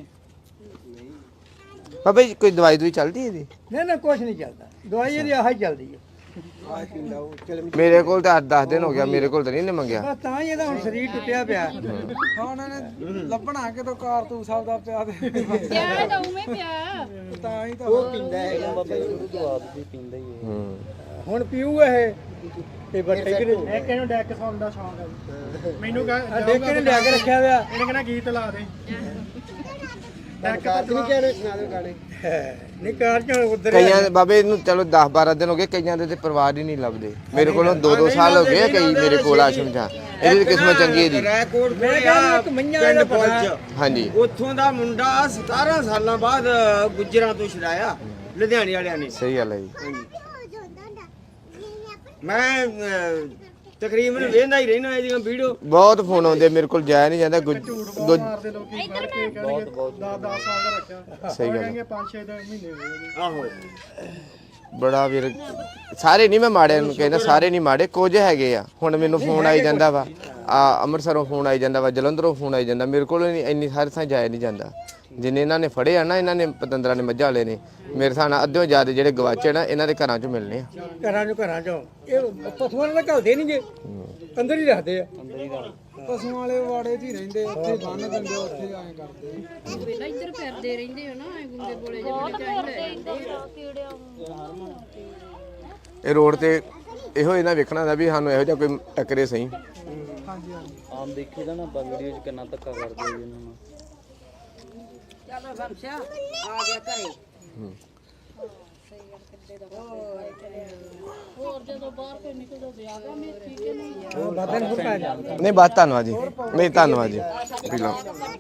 [SPEAKER 1] ਬਾਬਾ ਜੀ ਕੋਈ ਦਵਾਈ ਦੂਈ ਚੱਲਦੀ ਹੈ ਇਹਦੀ
[SPEAKER 3] ਨਾ ਕੁਝ ਨਹੀਂ ਚੱਲਦਾ ਦਵਾਈ ਇਹਦੀ ਆਹ ਹੀ ਚੱਲਦੀ ਹੈ
[SPEAKER 1] ਮੇਰੇ ਕੋਲ ਤਾਂ 10 ਦਿਨ ਹੋ ਗਿਆ ਮੇਰੇ ਕੋਲ ਤਾਂ ਨਹੀਂ ਇਹਨੇ ਮੰਗਿਆ
[SPEAKER 3] ਬਸ ਤਾਂ ਹੀ ਇਹਦਾ ਹੁਣ ਸਰੀਰ ਟੁੱਟਿਆ ਪਿਆ
[SPEAKER 5] ਹੁਣ ਇਹਨੇ ਲੱਭਣਾ ਕਿਤੋਂ ਕਾਰਤੂਸ ਆਪਦਾ ਪਿਆ ਦੇ
[SPEAKER 2] ਪਿਆ ਤਾਂ ਉਵੇਂ ਪਿਆ
[SPEAKER 5] ਤਾਂ ਹੀ ਤਾਂ
[SPEAKER 3] ਉਹ ਪੀਂਦਾ ਹੈਗਾ
[SPEAKER 4] ਬਾਬਾ ਜੀ ਸ਼ੁਰੂ ਤੋਂ ਆਪ ਵੀ ਪੀਂਦਾ ਹੀ ਹੈ
[SPEAKER 3] ਹੁਣ ਪੀਊ ਇਹ ਤੇ ਬੱਟੇ ਕਿ ਇੱਕ ਇਹਨੂੰ ਡੈਕ ਸੌਂਗ ਦਾ ਸ਼ੌਂਕ ਹੈ ਮੈਨੂੰ ਕਹ ਡੈਕ ਨੇ ਲਿਆ ਕੇ ਰੱਖਿਆ ਹੋਇਆ ਇਹਨੇ ਕਹਿੰਦਾ ਗੀਤ ਲਾ ਦੇ ਡੈਕ ਤਾਂ ਨਹੀਂ ਕਹਿਣੇ ਸੁਣਾ ਦੇ ਗਾਣੇ ਨਹੀਂ ਕਾਰ ਚ ਉਧਰ
[SPEAKER 1] ਕਈਆਂ ਬਾਬੇ ਨੂੰ ਚਲੋ 10 12 ਦਿਨ ਹੋ ਗਏ ਕਈਆਂ ਦੇ ਤੇ ਪਰਿਵਾਰ ਹੀ ਨਹੀਂ ਲੱਭਦੇ ਮੇਰੇ ਕੋਲੋਂ 2-2 ਸਾਲ ਹੋ ਗਏ ਕਈ ਮੇਰੇ ਕੋਲ ਆਸ਼ਰਮ ਚ ਇਹਦੀ ਕਿਸਮਤ ਚੰਗੀ ਹੈ ਦੀ
[SPEAKER 3] ਰੈਕੋਰਡ ਬਣਿਆ ਇੱਕ ਮਈਆਂ ਦਾ ਪਤਾ
[SPEAKER 1] ਹਾਂਜੀ
[SPEAKER 3] ਉੱਥੋਂ ਦਾ ਮੁੰਡਾ 17 ਸਾਲਾਂ ਬਾਅਦ ਗੁੱਜਰਾਂ ਤੋਂ ਛਡਾਇਆ ਲੁਧਿਆਣੇ ਵਾਲਿਆਂ ਨੇ
[SPEAKER 1] ਸਹੀ ਗੱਲ ਹੈ ਜੀ
[SPEAKER 3] ਮੈਂ ਤਕਰੀਬਨ ਵੇਖਦਾ ਹੀ ਰਹਿਣਾ ਇਹਦੀਆਂ ਵੀਡੀਓ
[SPEAKER 1] ਬਹੁਤ ਫੋਨ ਆਉਂਦੇ ਮੇਰੇ ਕੋਲ ਜਾਇਆ ਨਹੀਂ ਜਾਂਦਾ
[SPEAKER 3] ਮਾਰਦੇ ਲੋਕੀ ਫੜ ਕੇ ਕਹਿਣਗੇ 10 ਸਾਲ ਦਾ ਰੱਖਿਆ
[SPEAKER 1] ਸਹੀ ਗੱਲ
[SPEAKER 3] ਕਹਿੰਗੇ 5-6 ਮਹੀਨੇ ਹੋ ਗਏ ਆਹੋ
[SPEAKER 1] ਬੜਾ ਵੀਰ ਸਾਰੇ ਨਹੀਂ ਮੈਂ ਮਾੜੇ ਨੂੰ ਕਹਿੰਦਾ ਸਾਰੇ ਨਹੀਂ ਮਾੜੇ ਕੁਝ ਹੈਗੇ ਆ ਹੁਣ ਮੈਨੂੰ ਫੋਨ ਆਈ ਜਾਂਦਾ ਵਾ ਆ ਅੰਮ੍ਰਿਤਸਰੋਂ ਫੋਨ ਆਈ ਜਾਂਦਾ ਵਾ ਜਲੰਧਰੋਂ ਫੋਨ ਆਈ ਜਾਂਦਾ ਮੇਰੇ ਕੋਲ ਇੰਨੀ ਸਾਰੇ ਥਾਂ ਜਾਇਆ ਨਹੀਂ ਜਾਂਦਾ ਜਿੰਨੇ ਇਹਨਾਂ ਨੇ ਫੜੇ ਆ ਨਾ ਇਹਨਾਂ ਨੇ ਪਤੰਦਰਾਂ ਨੇ ਮੱਝਾਂ ਵਾਲੇ ਨੇ ਮੇਰੇ ਹਿਸਾਬ ਨਾਲ ਅੱਧਿਓਂ ਜ਼ਿਆਦਾ ਜਿਹੜੇ ਗਵਾਚੇ ਨਾ ਇਹਨਾਂ ਦੇ ਘਰਾਂ 'ਚੋਂ ਮਿਲਨੇ ਆ
[SPEAKER 3] ਘਰਾਂ ਚੋਂ ਇਹ ਪਸ਼ੂਆਂ ਨਾਲ ਘਲਦੇ ਨਹੀਂ ਜੇ ਅੰਦਰ ਹੀ ਰੱਖਦੇ ਆ
[SPEAKER 5] ਪਸ਼ੂਆਂ ਵਾਲੇ ਵਾੜੇ 'ਚ ਹੀ ਰਹਿੰਦੇ ਉੱਥੇ ਬੰਨ ਦਿੰਦੇ ਉੱਥੇ ਐਂ ਕਰਦੇ
[SPEAKER 2] ਵੇਲਾ ਇੱਧਰ ਫਿਰਦੇ ਰਹਿੰਦੇ ਹੋ ਨਾ ਐ ਗੁੰਗੇ ਬੋਲੇ ਜਿਹੇ ਚਾਹੀਦੇ
[SPEAKER 1] ਇਹ ਰੋਡ ਤੇ ਇਹੋ ਇਹਨਾਂ ਵੇਖਣਾ ਦਾ ਵੀ ਸਾਨੂੰ ਇਹੋ ਜਿਹਾ ਕੋਈ ਟੱਕਰੇ ਸਹੀ
[SPEAKER 5] ਹਾਂਜੀ ਹਾਂਜੀ
[SPEAKER 4] ਆਮ ਦੇਖੀਦਾ ਨਾ ਆਪਾਂ ਵੀਡੀਓ 'ਚ ਕਿੰਨਾ ਧੱਕਾ ਕਰਦੇ ਜੀ ਇਹਨਾਂ ਨੂੰ
[SPEAKER 2] ਹੋਰ ਜਦੋਂ ਬਾਹਰ ਕੋਈ ਨਿਕਲਦਾ ਜ਼ਿਆਦਾ ਮੇਥੀ ਕਿ ਨਹੀਂ
[SPEAKER 3] ਬਾਬੇ ਨੂੰ ਪਾ ਜਾਂਦਾ
[SPEAKER 1] ਨਹੀਂ ਬਾਤ ਧੰਨਵਾਦ ਜੀ ਨਹੀਂ ਧੰਨਵਾਦ ਜੀ ਪੀ ਲਓ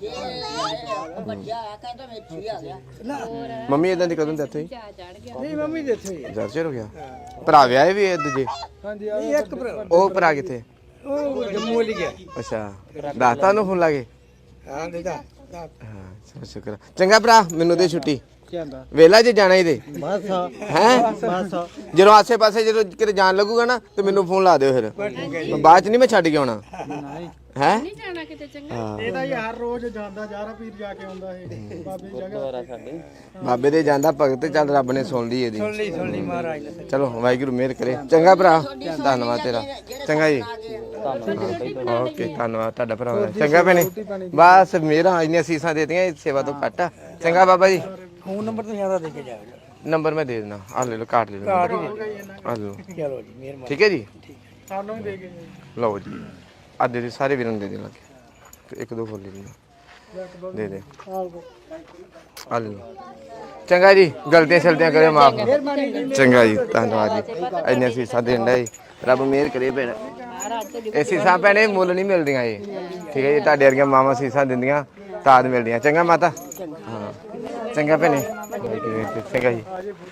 [SPEAKER 1] ਮੰਮੀ ਇਦਾਂ ਦੀ ਕਦੋਂ ਡੈਥ ਹੋਈ
[SPEAKER 2] ਚਾ ਚੜ ਗਿਆ
[SPEAKER 3] ਨਹੀਂ ਮੰਮੀ ਦੇ ਇੱਥੇ ਹੀ ਆ।
[SPEAKER 1] ਜ਼ਰ ਚਿਰ ਹੋ ਗਿਆ ਭਰਾ ਵਿਆਹੇ ਵੀ ਇਹ ਦੂਜੇ
[SPEAKER 5] ਹਾਂਜੀ
[SPEAKER 3] ਨਹੀਂ ਇੱਕ ਭਰਾ
[SPEAKER 1] ਉਹ ਭਰਾ ਕਿੱਥੇ
[SPEAKER 3] ਉਹ ਜੰਮੂ ਵਾਲੀ ਗਿਆ
[SPEAKER 1] ਅੱਛਾ ਦਾਤਾ ਨੂੰ ਫੋਨ ਲਾਗੇ
[SPEAKER 3] ਹਾਂ ਦੇਦਾ
[SPEAKER 1] ਹਾਂ ਚਲੋ ਸ਼ੁਕਰ ਚੰਗਾ ਭਰਾ ਮੈਨੂੰ ਦੇ ਛੁੱਟੀ
[SPEAKER 3] ਕਹਿੰਦਾ
[SPEAKER 1] ਵੇਲਾ ਜੇ ਜਾਣਾ ਇਹਦੇ
[SPEAKER 3] ਬਸ
[SPEAKER 1] ਹੈ
[SPEAKER 3] ਬਸ
[SPEAKER 1] ਜਦੋਂ ਆਸੇ ਪਾਸੇ ਜਦੋਂ ਕਿਤੇ ਜਾਣ ਲੱਗੂਗਾ ਨਾ ਤੇ ਮੈਨੂੰ ਫੋਨ ਲਾ ਦਿਓ ਫਿਰ ਬਾਅਦ ਚ ਨਹੀਂ ਮੈਂ ਛੱਡ ਕੇ ਆਉਣਾ
[SPEAKER 3] ਨਹੀਂ
[SPEAKER 1] ਹੈ
[SPEAKER 2] ਨਹੀਂ ਜਾਣਾ ਕਿਤੇ ਚੰਗਾ
[SPEAKER 3] ਇਹ ਤਾਂ ਯਾਰ ਰੋਜ਼ ਜਾਂਦਾ ਜਾਰਾ ਪੀਰ ਜਾ ਕੇ ਆਉਂਦਾ ਇਹ ਬਾਬੇ ਦੀ ਜਗ੍ਹਾ
[SPEAKER 4] ਦੁਆਰਾ ਸਾਡੇ
[SPEAKER 1] ਬਾਬੇ ਦੇ ਜਾਂਦਾ ਭਗਤ ਚੱਲ ਰੱਬ ਨੇ ਸੁਣ ਲਈ ਇਹਦੀ
[SPEAKER 3] ਸੁਣ ਲਈ ਮਹਾਰਾਜ ਨੇ
[SPEAKER 1] ਚਲੋ ਵਾਹਿਗੁਰੂ ਮਿਹਰ ਕਰੇ ਚੰਗਾ ਭਰਾ ਧੰਨਵਾਦ ਤੇਰਾ ਚੰਗਾ ਜੀ ਓਕੇ ਧੰਨਵਾਦ ਤੁਹਾਡਾ ਭਰਾ ਚੰਗਾ ਭੈਣੇ ਬਸ ਮੇਰਾ ਇੰਨੀਆਂ ਸੀਸਾਂ ਦੇਤੀਆਂ ਇਹ ਸੇਵਾ ਤੋਂ ਘੱਟ ਆ ਚੰਗਾ ਬਾਬਾ ਜੀ
[SPEAKER 3] ਫੋਨ ਨੰਬਰ ਤੁਸੀਂ ਆਦਾ ਦੇ ਕੇ ਜਾਓ
[SPEAKER 1] ਨੰਬਰ ਮੈਂ ਦੇ ਦੇਣਾ ਆ ਲੈ ਲਓ ਕਾਟ ਲੈ ਲਓ ਆ ਲਓ
[SPEAKER 3] ਚਲੋ ਜੀ ਮਿਹਰਬਾਨੀ
[SPEAKER 1] ਠੀਕ ਹੈ ਜੀ
[SPEAKER 3] ਸਾਨੂੰ ਵੀ ਦੇ ਕੇ
[SPEAKER 1] ਲਓ ਜੀ ਆ ਦੇ ਸਾਰੇ ਵੀਰਾਂ ਨੂੰ ਦੇ ਦੇ ਲੱਗੇ ਇੱਕ ਦੋ ਫੁੱਲ ਲੈ ਲਓ ਦੇ ਦੇ ਆ ਲੈ ਲਓ ਚੰਗਾ ਜੀ ਗਲਤੀਆਂ ਸ਼ਲਤੀਆਂ ਕਰਿਓ ਮਾਫ ਚੰਗਾ ਜੀ ਧੰਨਵਾਦ ਜੀ ਇੰਨੇ ਸੀਸਾਂ ਦੇਣ ਦਾ ਜੀ ਰੱਬ ਮਿਹਰ ਕਰੇ ਭੈਣ ਇਹ ਸੀਸਾਂ ਭੈਣੇ ਮੁੱਲ ਨਹੀਂ ਮਿਲਦੀਆਂ ਜੀ ਠੀਕ ਹੈ ਜੀ ਤੁਹਾਡੇ ਵਰਗੀਆਂ ਮਾਵਾਂ ਸੀਸਾਂ ਦਿੰਦੀਆਂ ਤਾਦ ਮਿਲਦੀਆਂ ਚੰਗਾ ਮਾਤਾ ਹਾਂ ਚੰਗਾ ਭੈਣੇ ਚੰਗਾ ਜੀ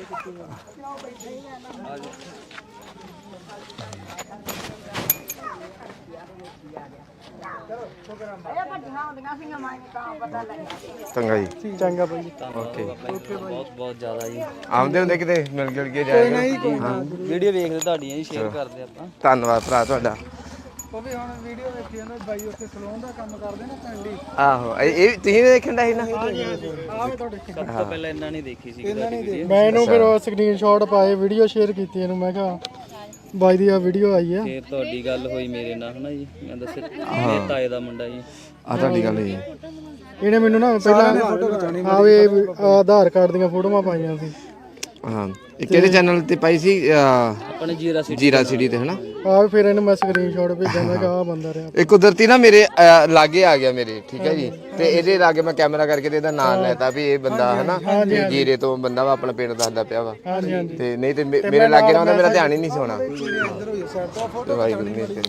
[SPEAKER 1] ਚੰਗਾ ਜੀ
[SPEAKER 3] ਚੰਗਾ ਭਾਈ
[SPEAKER 1] ਓਕੇ
[SPEAKER 4] ਬਹੁਤ ਬਹੁਤ ਜ਼ਿਆਦਾ ਜੀ
[SPEAKER 1] ਆਉਂਦੇ ਹੁੰਦੇ ਕਿਤੇ ਮਿਲ ਗਿਲ ਕੇ ਜਾਏਗਾ ਹਾਂ
[SPEAKER 4] ਵੀਡੀਓ ਵੇਖਦੇ ਤੁਹਾਡੀਆਂ ਜੀ ਸ਼ੇਅਰ ਕਰਦੇ ਆਪਾਂ
[SPEAKER 1] ਧੰਨਵਾਦ ਭਰਾ ਤੁਹਾਡਾ
[SPEAKER 5] ਉਹ ਵੀ ਹੁਣ ਵੀਡੀਓ ਵੇਖੀ ਜਾਂਦਾ ਬਾਈ ਉੱਥੇ ਸਲੂਨ ਦਾ ਕੰਮ ਕਰਦੇ ਨਾ ਪਿੰਡੀ
[SPEAKER 1] ਆਹੋ ਇਹ ਤੁਸੀਂ ਵੀ ਦੇਖਣ ਦਾ ਸੀ ਨਾ
[SPEAKER 5] ਆਵੇ ਤੁਹਾਡੇ
[SPEAKER 4] ਸਭ ਤੋਂ ਪਹਿਲਾਂ ਇਹਨਾਂ ਨੇ ਦੇਖੀ ਸੀ ਵੀਡੀਓ
[SPEAKER 3] ਮੈਂ ਇਹਨੂੰ ਫਿਰ ਸਕਰੀਨਸ਼ਾਟ ਪਾਏ ਵੀਡੀਓ ਸ਼ੇਅਰ ਕੀਤੀ ਇਹਨੂੰ ਮੈਂ ਕਿਹਾ ਬਾਈ ਦੀ ਆ ਵੀਡੀਓ ਆਈ ਆ
[SPEAKER 4] ਫੇਰ ਤੁਹਾਡੀ ਗੱਲ ਹੋਈ ਮੇਰੇ ਨਾਲ ਹਨਾ ਜੀ ਮੈਂ ਦੱਸਿਆ ਮੇਰੇ ਤਾਏ ਦਾ ਮੁੰਡਾ ਜੀ
[SPEAKER 1] ਆ ਤੁਹਾਡੀ ਗੱਲ ਜੀ
[SPEAKER 3] ਇਹਨੇ ਮੈਨੂੰ ਨਾ ਪਹਿਲਾਂ ਆਵੇ ਆਧਾਰ ਕਾਰਡ ਦੀਆਂ ਫੋਟੋਆਂ ਪਾਈਆਂ ਸੀ
[SPEAKER 1] ਹਾਂ ਇਹ ਕਿਹੜੇ ਚੈਨਲ ਤੇ ਪਾਈ ਸੀ
[SPEAKER 4] ਆਪਣੇ
[SPEAKER 1] ਜੀਰਾ ਸਿਟੀ ਤੇ ਹਨਾ।
[SPEAKER 3] ਆ ਫਿਰ ਇਹਨੂੰ ਮੈਂ ਸਕਰੀਨਸ਼ਾਟ ਭੇਜਾਂਗਾ ਕਿ ਆ ਬੰਦਾ ਰਿਹਾ।
[SPEAKER 1] ਇਹ ਕੁਦਰਤੀ ਨਾ ਮੇਰੇ ਲਾਗੇ ਆ ਗਿਆ ਮੇਰੇ, ਠੀਕ ਹੈ ਜੀ। ਤੇ ਇਹਦੇ ਲਾਗੇ ਮੈਂ ਕੈਮਰਾ ਕਰਕੇ ਤੇ ਇਹਦਾ ਨਾਮ ਲੈਤਾ ਵੀ ਇਹ ਬੰਦਾ ਹਨਾ ਤੇ ਜੀਰੇ ਤੋਂ ਬੰਦਾ ਵਾ, ਆਪਣਾ ਪਿੰਡ ਦੱਸਦਾ ਪਿਆ ਵਾ।
[SPEAKER 3] ਹਾਂਜੀ ਹਾਂਜੀ
[SPEAKER 1] ਤੇ ਨਹੀਂ ਤੇ ਮੇਰੇ ਲਾਗੇ ਨਾ ਹੁੰਦਾ, ਮੇਰਾ ਧਿਆਨ ਹੀ ਨਹੀਂ ਸੀ ਹੋਣਾ।
[SPEAKER 5] ਇੱਧਰ ਹੋ ਜਾ ਸਾਈਡ ਤੋਂ
[SPEAKER 1] ਵਾਹਿਗੁਰੂ ਨੇ ਤੇ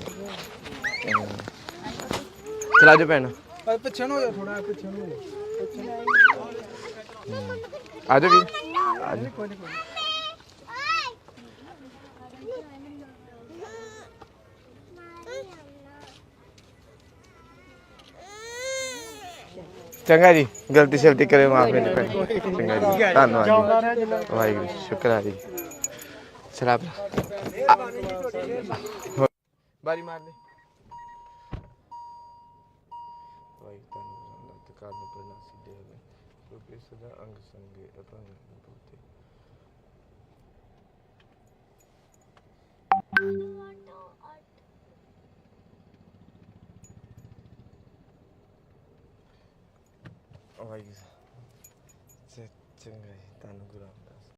[SPEAKER 1] ਚਲਾ ਜੋ ਭੈਣ,
[SPEAKER 5] ਪਿੱਛੇ ਨੂੰ ਹੋ ਜਾ ਥੋੜਾ, ਪਿੱਛੇ ਨੂੰ ਹੋ ਜਾ।
[SPEAKER 1] ਆ ਜਾ ਵੀ ਆ ਜਾ। ਚੰਗਾ ਜੀ, ਗਲਤੀ ਸ਼ਲਤੀ ਕਰੇ ਮਾਫ ਮੇਰੇ ਭੈਣ। ਚੰਗਾ ਜੀ, ਧੰਨਵਾਦ ਜੀ, ਵਾਹਿਗੁਰੂ ਸ਼ੁਕਰ ਹੈ ਜੀ। ਸ਼ਰਾਬ ਬਾਰੀ ਮਾਰ ਦੇ। ਵਾਹਿਗੁਰੂ ਤੁਹਾਨੂੰ ਤੇ ਕਾਰਨ ਪ੍ਰਣਾਸੀ ਦੇ ਨੇ ਕਿਉਂਕਿ ਸਦਾ ਅੰਗ ਸੰਗੇ ਅਪੰਗ ਬੋਤੇ। ਵਾਹਿਗੁਰੂ ਚੰਗਾ ਜੀ, ਤੁਹਾਨੂੰ ਗੁਰੂ